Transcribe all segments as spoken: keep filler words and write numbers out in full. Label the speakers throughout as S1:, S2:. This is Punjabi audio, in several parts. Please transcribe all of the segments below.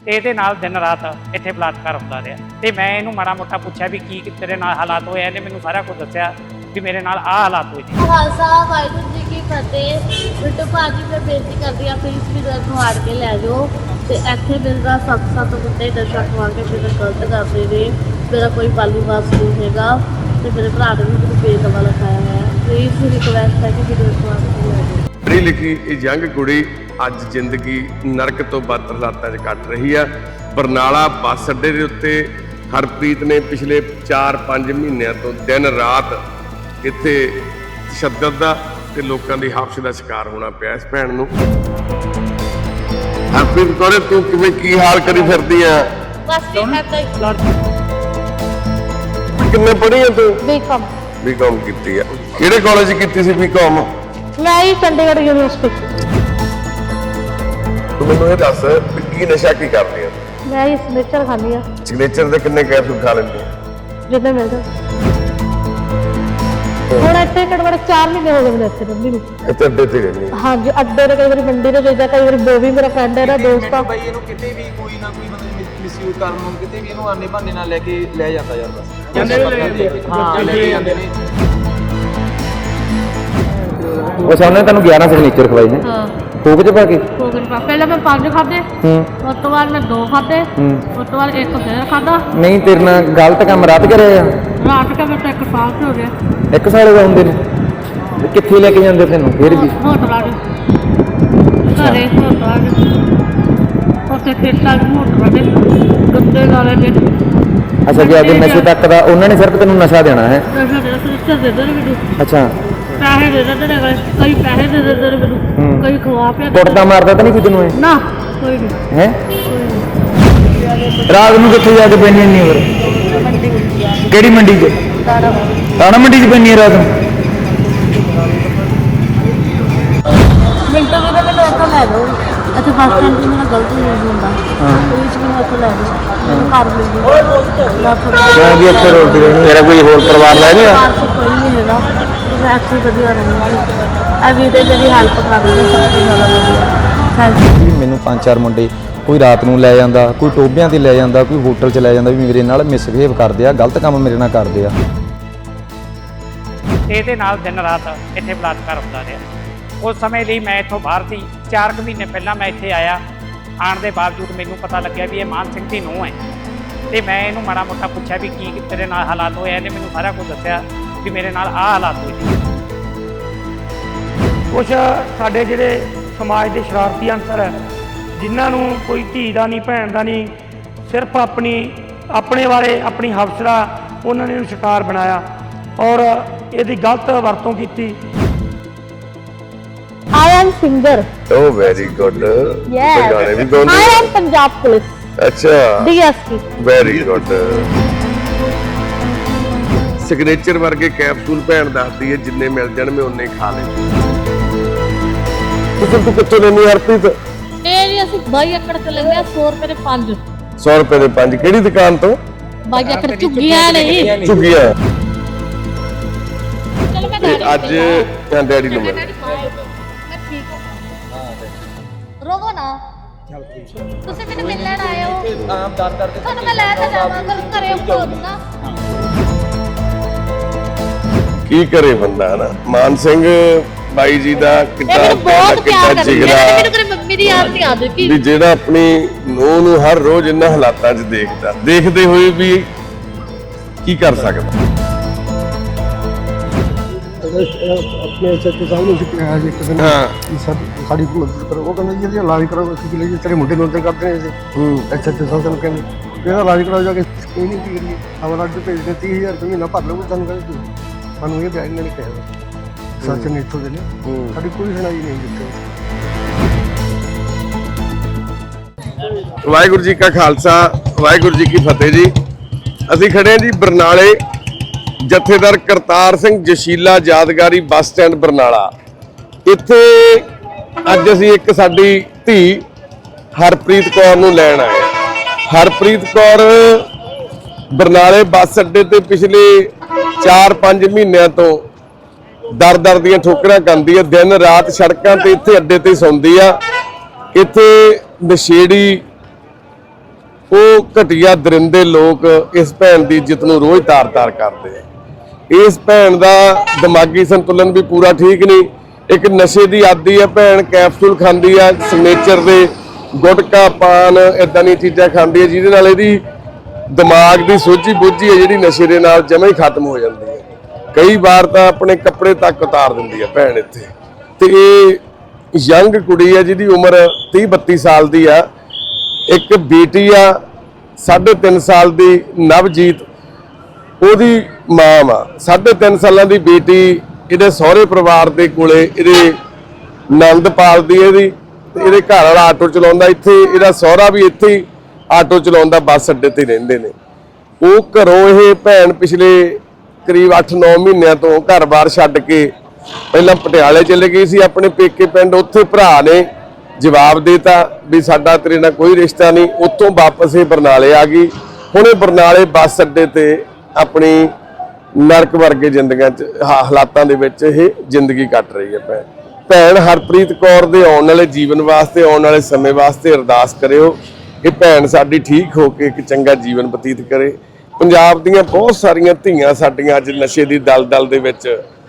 S1: ਤੇ ਇਹਦੇ ਨਾਲ ਦਿਨ ਰਾਤ ਇੱਥੇ ਬਲਾਤਕਾਰ ਹੁੰਦਾ ਰਿਹਾ ਤੇ ਮੈਂ ਇਹਨੂੰ ਮਾੜਾ ਮੋਟਾ ਪੁੱਛਿਆ ਵੀ ਕੀ ਤੇਰੇ ਨਾਲ ਹਾਲਾਤ ਹੋਏ। ਇਹਨੇ ਮੈਨੂੰ ਸਾਰਾ ਕੁਝ ਦੱਸਿਆ ਵੀ ਮੇਰੇ ਨਾਲ ਆਹ ਹਾਲਾਤ ਹੋਏ ਜੀ।
S2: ਖਾਲਸਾ ਵਾਹਿਗੁਰੂ ਜੀ ਕੀ ਫਤਿਹ। ਬਿੱਟੂ ਭਾਜੀ ਮੈਂ ਬੇਨਤੀ ਕਰਦੀ ਆ ਪਲੀਜ਼ ਵੀ ਦਰ ਨੂੰ ਆੜ ਕੇ ਲੈ ਜਾਓ ਤੇ ਇੱਥੇ ਮੇਰਾ ਸੱਤ ਸੱਤ ਬੰਦੇ ਨਸ਼ਾ ਖਵਾ ਕੇ ਮੇਰਾ ਗਲਤ ਕਰਦੇ ਨੇ। ਮੇਰਾ ਕੋਈ ਪਾਲੂ ਵਾਸ ਨਹੀਂ ਹੈਗਾ ਤੇ ਮੇਰੇ ਭਰਾ ਨੇ ਵੀ ਮੈਨੂੰ ਬੇਦਵਾ ਲਿਖਾਇਆ ਹੋਇਆ। ਪਲੀਜ਼ ਰਿਕਵੈਸਟ ਹੈ ਕਿ ਵੀਡੀਓ ਨੂੰ ਆੜ ਕੇ ਲੈ ਜਾਓ।
S3: ਪੜ੍ਹੀ ਲਿਖੀ ਇਹ ਯੰਗ ਕੁੜੀ ਅੱਜ ਜ਼ਿੰਦਗੀ ਨਰਕ ਤੋਂ ਬਦ ਹਾਲਾਤਾਂ 'ਚ ਕੱਟ ਰਹੀ ਆ। ਬਰਨਾਲਾ ਬੱਸ ਅੱਡੇ ਦੇ ਉੱਤੇ ਹਰਪ੍ਰੀਤ ਨੇ ਪਿਛਲੇ ਚਾਰ ਪੰਜ ਮਹੀਨਿਆਂ ਤੋਂ ਦਿਨ ਰਾਤ ਇੱਥੇ ਤਸ਼ੱਦਦ ਦਾ ਤੇ ਲੋਕਾਂ ਦੀ ਹਫਸ਼ ਦਾ ਸ਼ਿਕਾਰ ਹੋਣਾ ਪਿਆ ਇਸ ਭੈਣ ਨੂੰ। ਹਰਪ੍ਰੀਤ ਕੋਰੇ ਤੂੰ ਕਿਵੇਂ ਕੀ ਹਾਲ ਕਰੀ ਫਿਰਦੀ ਆ?
S2: ਬਸ ਇੱਦਾਂ ਹੀ।
S3: ਕਿੰਨੇ ਪੜ੍ਹੀ ਆ ਤੂੰ?
S2: ਬੀਕਾਮ।
S3: ਬੀਕਾਮ ਕੀਤੀ ਆ। ਕਿਹੜੇ ਕਾਲਜ ਕੀਤੀ ਸੀ ਬੀਕਾਮ?
S2: ਮੈਂ ਹੀ ਚੰਡੀਗੜ੍ਹ ਯੂਨੀਵਰਸਿਟੀ।
S3: ਤੂੰ ਮੈਨੂੰ ਇਹ ਦੱਸ ਵੀ ਕੀ ਨਸ਼ਾ ਕੀ ਕਰਦੀ ਆ?
S2: ਮੈਂ ਹੀ ਸਿਗਨੇਚਰ ਖਾਂਦੀ ਆ।
S3: ਸਿਗਨੇਚਰ ਦੇ ਕਿੰਨੇ ਕੈਪਸੂਲ ਖਾ ਲੈਂਦੀ ਆ?
S2: ਜਿੱਦਾਂ ਮਿਲਦਾ ਹੁਣ ਇੱਥੇ ਘੱਟੋ ਘੱਟ ਚਾਰ ਮਹੀਨੇ ਹੋ ਗਏ ਮੈਨੂੰ ਇੱਥੇ ਰਹਿੰਦੀ ਨੂੰ।
S3: ਇੱਥੇ ਅੱਡੇ ਤੇ ਰਹਿੰਦੀ?
S2: ਹਾਂਜੀ, ਅੱਡੇ ਤੇ ਕਈ ਵਾਰੀ ਮੰਡੀ ਤੇ ਜਾਈਦਾ, ਕਈ ਵਾਰੀ ਬੋਵੀ ਮੇਰਾ ਫਰੈਂਡ ਹੈ ਨਾ ਦੋਸਤ ਆ।
S4: ਬਾਈ ਇਹਨੂੰ ਕਿਤੇ ਵੀ ਕੋਈ ਨਾ ਕੋਈ ਮਤਲਬ ਮਿਸਯੂਜ਼ ਕਰਨ ਨੂੰ ਕਿਤੇ ਵੀ ਇਹਨੂੰ ਆਨੇ ਬਹਾਨੇ ਨਾਲ ਲੈ ਕੇ ਲੈ ਜਾਂਦਾ ਯਾਰ ਬਸ। ਜਾਂਦੇ ਨੇ ਹਾਂ ਲੈ ਕੇ ਜਾਂਦੇ ਨੇ।
S5: ਉਹ ਸਾਹਮਣੇ ਤੁਹਾਨੂੰ ਗਿਆਰਾਂ ਸਿਗਨੇਚਰ ਖਵਾਏ ਨੇ।
S2: ਹਾਂ
S5: ਕੋਕ ਚ ਪਾ ਕੇ?
S2: ਕੋਕ ਚ ਪਾ ਪਹਿਲਾਂ ਮੈਂ ਪੰਜ ਖਾਦੇ,
S5: ਹੂੰ
S2: ਉਸ ਤੋਂ ਬਾਅਦ ਮੈਂ ਦੋ ਖਾਦੇ,
S5: ਹੂੰ
S2: ਉਸ ਤੋਂ ਬਾਅਦ ਇੱਕ ਫੇਰ ਖਾਦਾ।
S5: ਨਹੀਂ ਤੇਰੇ ਨਾਲ ਗਲਤ ਕੰਮ ਰਾਤ ਕਰਿਆ ਆ?
S2: ਰਾਤ ਕਾ ਮੈਂ ਤਾਂ ਇੱਕ ਸਾਲ ਹੋ ਗਿਆ।
S5: ਇੱਕ ਸਾਲ ਹੋ ਹੁੰਦੇ ਨੇ? ਕਿੱਥੇ ਲੈ ਕੇ ਜਾਂਦੇ ਤੈਨੂੰ ਫਿਰ ਵੀ?
S2: ਹੋਟਲਾਂ ਦੇ ਘਰੇ ਹੋਟਲਾਂ ਦੇ ਉੱਥੇ ਖੇਤਾਂ ਦੇ ਹੋਟਲਾਂ ਦੇ ਗੱਦੇ ਨਾਲੇ ਦੇ।
S5: ਅੱਛਾ ਜੀ, ਅੱਗੇ ਨਸ਼ੇ ਤੱਕ ਦਾ ਉਹਨਾਂ ਨੇ ਸਿਰਫ ਤੈਨੂੰ ਨਸ਼ਾ ਦੇਣਾ ਹੈ?
S2: ਨਸ਼ਾ ਦੇ ਸਿੱਟਾ ਦੇ ਦੇ ਮੈਨੂੰ।
S5: ਅੱਛਾ,
S2: ਪੈਸੇ ਦੇ ਦਿੰਦੇ ਨੇ, ਕਈ ਪੈਸੇ ਦੇ ਦਿੰਦੇ ਨੇ ਮੈਨੂੰ, ਕਈ ਖਵਾ ਪਿਆ।
S5: ਕੁੱਟਦਾ ਮਾਰਦਾ ਤਾਂ ਨਹੀਂ ਕੋਈ ਤੈਨੂੰ?
S2: ਨਾ ਕੋਈ ਨਹੀਂ
S5: ਹੈ ਰਾਤ ਨੂੰ ਕਿੱਥੇ ਜਾ ਕੇ ਪੈਣੀ ਨਹੀਂ? ਹੋਰ ਕਿਹੜੀ ਮੰਡੀ 'ਚ? ਤਾਣਾ ਮੰਡੀ 'ਚ ਪੈਣੀ ਰਾਤ ਨੂੰ?
S2: ਮਿੰਟੋ ਵੀ ਤਾਂ ਮੈਨੂੰ ਇੱਥੋਂ ਲੈ ਜਾਓ। ਇੱਥੇ ਬੱਸ ਸਟੈਂਡ 'ਤੇ ਮੇਰਾ ਗਲਤ ਯੂਜ਼ ਹੁੰਦਾ। ਉਹਦੇ ਵਿੱਚ ਮੈਨੂੰ ਇੱਥੋਂ ਲੈ ਜਾਓ, ਮੈਨੂੰ ਘਰ ਮਿਲ ਜੂ।
S5: ਕਿਉਂ ਵੀ ਇੱਥੇ ਰੋਟੀ ਤੇਰਾ ਕੋਈ ਹੋਰ ਪਰਿਵਾਰ ਲੈ ਗਿਆ?
S2: ਕੋਈ ਨਹੀਂ ਹੈਗਾ, ਮੈਂ ਇੱਥੇ ਵਧੀਆ ਰਹੂੰਗੀ। ਇਹ ਵੀਡੀਓ ਮੇਰੀ ਹੈਲਪ ਕਰ ਰਹੀ ਹੈ, ਸਭ ਤੋਂ ਜ਼ਿਆਦਾ ਵਧੀਆ। Thank you.
S5: ਮੈਨੂੰ ਪੰਜ ਚਾਰ ਮੁੰਡੇ ਕੋਈ ਰਾਤ ਨੂੰ ਲੈ ਜਾਂਦਾ, ਕੋਈ ਟੋਬਿਆਂ ਤੇ ਲੈ ਜਾਂਦਾ, ਕੋਈ ਹੋਟਲ 'ਚ ਲੈ ਜਾਂਦਾ, ਵੀ ਮੇਰੇ ਨਾਲ ਮਿਸਬਿਹੇਵ ਕਰਦੇ ਆ, ਗਲਤ ਕੰਮ ਮੇਰੇ ਨਾਲ ਕਰਦੇ ਆ।
S1: ਇਹਦੇ ਨਾਲ ਦਿਨ ਰਾਤ ਇੱਥੇ ਬਲਾਤਕਾਰ ਹੁੰਦਾ ਰਿਹਾ। ਉਸ ਸਮੇਂ ਲਈ ਮੈਂ ਇੱਥੋਂ ਬਾਹਰ ਸੀ। ਚਾਰ ਕੁ ਮਹੀਨੇ ਪਹਿਲਾਂ ਮੈਂ ਇੱਥੇ ਆਇਆ। ਆਉਣ ਦੇ ਬਾਵਜੂਦ ਮੈਨੂੰ ਪਤਾ ਲੱਗਿਆ ਵੀ ਇਹ ਮਾਨ ਸਿੰਘ ਦੀ ਨੂੰਹ ਹੈ ਤੇ ਮੈਂ ਇਹਨੂੰ ਮਾੜਾ ਮੋਟਾ ਪੁੱਛਿਆ ਵੀ ਕੀ ਤੇਰੇ ਨਾਲ ਹਾਲਾਤ ਹੋਏ। ਇਹਨੇ ਮੈਨੂੰ ਸਾਰਾ ਕੁਝ ਦੱਸਿਆ ਵੀ ਮੇਰੇ ਨਾਲ ਆਹ ਹਾਲਾਤ ਹੋਏ ਜੀ।
S6: ਕੁਛ ਸਾਡੇ ਜਿਹੜੇ ਸਮਾਜ ਦੇ ਸ਼ਰਾਰਤੀ ਅਨਸਰ ਹੈ, ਜਿਨ੍ਹਾਂ ਨੂੰ ਕੋਈ ਧੀ ਦਾ ਨਹੀਂ, ਭੈਣ ਦਾ ਨਹੀਂ, ਸਿਰਫ ਆਪਣੀ ਆਪਣੇ ਬਾਰੇ ਆਪਣੀ ਹਵਸ ਦਾ ਉਹਨਾਂ ਨੇ ਇਹਨੂੰ ਸ਼ਿਕਾਰ ਬਣਾਇਆ ਔਰ ਇਹਦੀ ਗਲਤ ਵਰਤੋਂ ਕੀਤੀ।
S2: I am singer.
S3: Oh, very good.
S2: Yes.
S3: ਗਾਣੇ ਵੀ ਗਾਉਂਦੇ?
S2: I am Punjab Police.
S3: ਅੱਛਾ,
S2: D S P.
S3: Very good. Signature ਵਰਗੇ ਕੈਪਸੂਲ ਭੈਣ ਦੱਸਦੀ ਹੈ ਜਿੰਨੇ ਮਿਲ ਜਾਣ ਮੈਂ ਉਨੇ ਖਾ ਲੈਂਦੀ। ਤੁਸੀਂ ਤੂੰ ਕਿੱਥੋਂ ਲੈਣੀ ਹਰਪ੍ਰੀਤ?
S2: ਇਹ ਜੀ ਅਸੀਂ ਬਾਈ ਏਕੜ ਤੇ ਲੈਂਦੇ ਆ ਸੌ ਰੁਪਏ ਦੇ ਪੰਜ।
S3: ਸੌ ਰੁਪਏ ਦੇ ਪੰਜ? ਕਿਹੜੀ ਦੁਕਾਨ ਤੋਂ?
S2: ਬਾਈ ਏਕੜ ਝੁੱਗੀਆਂ ਨਹੀਂ
S3: ਝੁੱਗੀਆਂ।
S2: ਚਲੋ ਮੈਂ
S3: ਤੇ ਅੱਜ ਜਾਂ ਡੈਡੀ ਨੂੰ ਮਿਲ।
S2: ਮੈਂ ਠੀਕ ਹਾਂ। ਰੋਵੋ ਨਾ, ਤੁਸੀਂ ਮੈਨੂੰ ਮਿਲਣ ਆਏ ਹੋ।
S4: ਆਮ ਦਾਤ ਕਰਕੇ
S2: ਤੁਹਾਨੂੰ ਮੈਂ ਲੈ ਤਾਂ ਜਾਵਾਂ, ਪਰ ਘਰੇ ਭੋਗ ਨਾ।
S3: ਕੀ ਕਰੇ ਬੰਦਾ ਨਾ। ਮਾਨ ਸਿੰਘ ਬਾਈ ਜੀ ਦਾ ਕਿੱਡਾ
S2: ਬਹੁਤ ਪਿਆਰ
S3: ਕਿੱਡਾ
S2: ਕਰਦੀ
S3: ਜਿਗਰਾ
S2: ਹੈ। ਮੈਨੂੰ ਕਦੇ ਮੰਮੀ ਦੀ ਯਾਦ ਨਹੀਂ ਆਉਂਦੀ ਕਿ
S3: ਵੀ ਜਿਹੜਾ ਆਪਣੀ ਨੂੰਹ ਨੂੰ ਹਰ ਰੋਜ਼ ਇਹਨਾਂ ਹਾਲਾਤਾਂ 'ਚ ਦੇਖਦਾ, ਦੇਖਦੇ ਹੋਏ ਵੀ ਕੀ ਕਰ ਸਕਦਾ।
S7: ਆਪਣੇ ਸੱਚੇ ਸਾਹਮਣੇ ਸਿੱਖਿਆ ਜੀ ਇੱਕ ਦਿਨ
S3: ਹਾਂ
S7: ਸਾਡੀ ਮਦਦ ਕਰੋ। ਉਹ ਕਹਿੰਦੇ ਜੀ ਇਹਦਾ ਇਲਾਜ ਕਰਾਓ। ਅਸੀਂ ਕਿ ਲਈ ਤੇਰੇ ਮੁੰਡੇ ਨੂੰ ਅੰਦਰ ਕਰਦੇ ਨੇ।
S3: ਹੂੰ
S7: ਅੱਛਾ ਅੱਛਾ ਸਾਨੂੰ ਕਹਿੰਦੇ ਇਹਦਾ ਇਲਾਜ ਕਰਾਓ ਜਾ ਕੇ। ਕੋਈ ਨਹੀਂ ਕੀ ਕਰੀਏ, ਹਵਾਲਾ ਅੱਡ ਭੇਜਦੇ ਤੀਹ ਹਜ਼ਾਰ ਰੁਪਏ ਮਹੀਨਾ ਭਰ ਲਓ। ਸਾਨੂੰ ਕਹਿੰਦੇ ਸਾਨੂੰ ਇਹ ਵਿਆਜ ਨਹੀਂ ਕਹਿਆ ਸੱਚ ਨੇ ਇੱਥੋਂ ਦੇ ਨੇ। ਸਾਡੀ ਕੋਈ ਸੁਣਾਈ ਨਹੀਂ ਦਿੱਤੀ।
S3: ਵਾਹਿਗੁਰੂ ਜੀ ਕਾ ਖਾਲਸਾ, ਵਾਹਿਗੁਰੂ ਜੀ ਕੀ ਫਤਿਹ ਜੀ। ਅਸੀਂ ਖੜੇ ਹਾਂ ਜੀ ਬਰਨਾਲੇ ਜਥੇਦਾਰ ਕਰਤਾਰ ਸਿੰਘ ਜਸ਼ੀਲਾ ਯਾਦਗਾਰੀ ਬੱਸ ਸਟੈਂਡ ਬਰਨਾਲਾ। ਇੱਥੇ ਅੱਜ ਅਸੀਂ ਇੱਕ ਸਾਡੀ ਧੀ ਹਰਪ੍ਰੀਤ ਕੌਰ ਨੂੰ ਲੈਣ ਆਏ। ਹਰਪ੍ਰੀਤ ਕੌਰ ਬਰਨਾਲੇ ਬੱਸ ਅੱਡੇ ਤੇ ਪਿਛਲੇ ਚਾਰ ਪੰਜ ਮਹੀਨਿਆਂ ਤੋਂ ਦਰ ਦਰ ਦੀਆਂ ਠੋਕਰਾਂ ਖਾਂਦੀ ਹੈ। ਦਿਨ ਰਾਤ ਸੜਕਾਂ ਤੇ ਇੱਥੇ ਅੱਡੇ ਤੇ ਸੌਂਦੀ ਆ। ਇੱਥੇ ਨਸ਼ੇੜੀ ਉਹ ਘਟੀਆ ਦਰਿੰਦੇ ਲੋਕ ਇਸ ਭੈਣ ਦੀ ਇੱਜ਼ਤ ਨੂੰ ਰੋਜ਼ ਤਾਰ-ਤਾਰ ਕਰਦੇ ਆ। ਇਸ ਭੈਣ ਦਾ ਦਿਮਾਗੀ ਸੰਤੁਲਨ ਵੀ ਪੂਰਾ ਠੀਕ ਨਹੀਂ। ਇੱਕ ਨਸ਼ੇ ਦੀ ਆਦੀ ਆ ਭੈਣ, ਕੈਪਸੂਲ ਖਾਂਦੀ ਆ ਸਿਗਨੇਚਰ ਦੇ, ਗੁਟਕਾ ਪਾਨ ਇਦਾਂ ਦੀਆਂ ਚੀਜ਼ਾਂ ਖਾਂਦੀ ਹੈ ਜਿਹਦੇ ਨਾਲ ਇਹਦੀ ਦਿਮਾਗ ਦੀ ਸੋਝੀ ਬੁੱਝੀ ਹੈ ਜਿਹੜੀ ਨਸ਼ੇ ਦੇ ਨਾਲ ਜਮਾਂ ਹੀ ਖਤਮ ਹੋ ਜਾਂਦੀ ਹੈ। ਕਈ ਵਾਰ ਤਾਂ ਆਪਣੇ ਕੱਪੜੇ ਤੱਕ ਉਤਾਰ ਦਿੰਦੀ ਹੈ ਭੈਣ ਇੱਥੇ। ਤੇ ਇਹ ਯੰਗ ਕੁੜੀ ਹੈ ਜਿਹਦੀ ਉਮਰ ਤੀਹ ਬੱਤੀ ਸਾਲ ਦੀ ਆ। ਇੱਕ ਬੇਟੀ ਆ ਸਾਢੇ ਤਿੰਨ ਸਾਲ ਦੀ ਨਵਜੀਤ, ਉਹਦੀ ਮਾਂ ਵਾ। ਸਾਢੇ ਤਿੰਨ ਸਾਲਾਂ ਦੀ ਬੇਟੀ ਇਹਦੇ ਸਹੁਰੇ ਪਰਿਵਾਰ ਦੇ ਕੋਲੇ ਇਹਦੇ ਨੰਦ ਪਾਲਦੀ ਇਹਦੀ, ਤੇ ਇਹਦੇ ਘਰ ਵਾਲਾ ਆਟੋ ਚਲਾਉਂਦਾ ਇੱਥੇ, ਇਹਦਾ ਸਹੁਰਾ ਵੀ ਇੱਥੇ ਹੀ ਆਟੋ ਚਲਾਉਂਦਾ, ਬੱਸ ਅੱਡੇ ਤੇ ਰਹਿੰਦੇ ਨੇ। ਉਹ ਘਰੋਂ ਇਹ ਭੈਣ ਪਿਛਲੇ ਕਰੀਬ ਅੱਠ ਨੌ ਮਹੀਨਿਆਂ ਤੋਂ ਘਰ-ਬਾਰ ਛੱਡ ਕੇ ਪਹਿਲਾਂ ਪਟਿਆਲੇ ਚਲੇ ਗਈ ਸੀ ਆਪਣੇ ਪੇਕੇ ਪਿੰਡ। ਉੱਥੇ ਭਰਾ ਨੇ ਜਵਾਬ ਦੇਤਾ ਵੀ ਸਾਡਾ ਤੇਰੇ ਨਾਲ ਕੋਈ ਰਿਸ਼ਤਾ ਨਹੀਂ। ਉੱਥੋਂ ਵਾਪਸ ਇਹ ਬਰਨਾਲੇ ਆ ਗਈ। ਹੁਣ ਇਹ ਬਰਨਾਲੇ ਬੱਸ ਅੱਡੇ ਤੇ ਆਪਣੀ ਨਰਕ ਵਰਗੇ ਜ਼ਿੰਦਗੀਆਂ 'ਚ ਹਾਲਾਤਾਂ ਦੇ ਵਿੱਚ ਇਹ ਜ਼ਿੰਦਗੀ ਕੱਟ ਰਹੀ ਹੈ ਭੈਣ। ਭੈਣ ਹਰਪ੍ਰੀਤ ਕੌਰ ਦੇ ਆਉਣ ਵਾਲੇ ਜੀਵਨ ਵਾਸਤੇ, ਆਉਣ ਵਾਲੇ ਸਮੇਂ ਵਾਸਤੇ ਅਰਦਾਸ ਕਰਿਓ ਕਿ ਭੈਣ ਸਾਡੀ ਠੀਕ ਹੋ ਕੇ ਇੱਕ ਚੰਗਾ ਜੀਵਨ ਬਤੀਤ ਕਰੇ। ਪੰਜਾਬ ਦੀਆਂ ਬਹੁਤ ਸਾਰੀਆਂ ਧੀਆਂ ਸਾਡੀਆਂ ਅੱਜ ਨਸ਼ੇ ਦੀ ਦਲਦਲ ਦੇ ਵਿੱਚ